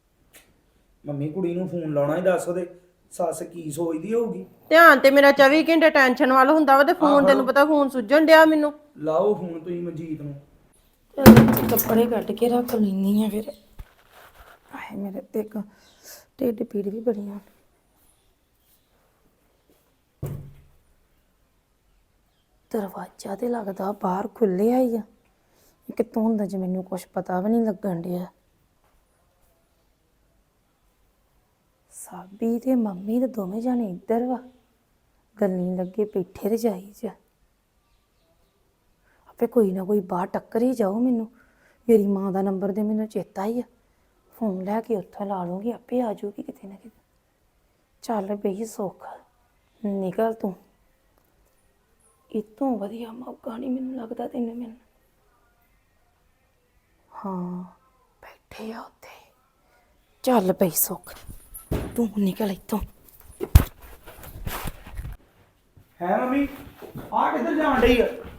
Speaker 2: ਮੰਮੀ ਕੁੜੀ ਨੂੰ ਫੋਨ ਲਾਉਣਾ ਹੀ, ਦੱਸ ਉਹਦੇ ਸੱਸ ਕੀ ਸੋਚਦੀ ਹੋਊਗੀ।
Speaker 1: ਧਿਆਨ ਤੇ ਮੇਰਾ 24 ਘੰਟੇ ਟੈਨਸ਼ਨ ਵੱਲ ਹੁੰਦਾ ਵਾ, ਤੇ ਫੋਨ ਤੈਨੂੰ ਪਤਾ ਫੋਨ ਸੁੱਜਣ ਡਿਆ ਮੈਨੂੰ।
Speaker 2: ਲਾਓ ਫੋਨ ਤੁਸੀਂ ਮਨਜੀਤ ਨੂੰ।
Speaker 3: ਚੱਲ ਕੱਪੜੇ ਕੱਢ ਕੇ ਰੱਖ ਲੈਂਦੀ ਆ ਫਿਰ। ਆਏ ਮੇਰੇ ਤੇ ਇੱਕ ਢਿੱਡ ਪੀੜ ਵੀ ਬੜੀ ਆ। ਦਰਵਾਜ਼ਾ ਤੇ ਲੱਗਦਾ ਬਾਹਰ ਖੁੱਲਿਆ ਹੀ ਆ, ਕਿਤੋਂ ਹੁੰਦਾ ਜੇ ਮੈਨੂੰ ਕੁਝ ਪਤਾ ਵੀ ਨਹੀਂ ਲੱਗਣ ਡਿਆ। ਸਾਬੀ ਤੇ ਮੰਮੀ ਤੇ ਦੋਵੇਂ ਜਾਣੇ ਇੱਧਰ ਵਾ, ਗੱਲਾਂ ਲੱਗੇ ਬੈਠੇ ਰਜਾਈ 'ਚ। ਆਪੇ ਕੋਈ ਨਾ ਕੋਈ ਬਾਹਰ ਟੱਕਰ ਹੀ ਜਾਓ ਮੈਨੂੰ ਮੇਰੀ ਮਾਂ ਦਾ ਨੰਬਰ ਦੇ ਮੈਨੂੰ ਚੇਤਾ ਹੀ ਆ, ਫੋਨ ਲੈ ਕੇ ਉੱਥੋਂ ਲਾ ਲੂੰਗੀ, ਆਪੇ ਆ ਜਾਊਗੀ ਕਿਤੇ ਨਾ ਕਿਤੇ। ਚੱਲ ਬਈ ਸੁੱਖ, ਨਿਕਲ ਤੂੰ, ਇਤੋਂ ਵਧੀਆ ਮੌਕਾ ਨਹੀਂ ਮੈਨੂੰ ਲੱਗਦਾ ਤੈਨੂੰ ਮਿਲਣਾ। ਹਾਂ ਬੈਠੇ ਆ ਉੱਥੇ, ਚੱਲ ਬਈ ਸੁੱਖ ਤੂੰ ਨਿਕਲ ਇੱਥੋਂ।
Speaker 2: ਹੈ ਮੰਮੀ ਆ ਕਿੱਧਰ ਜਾਣ ਡਈ ਆ?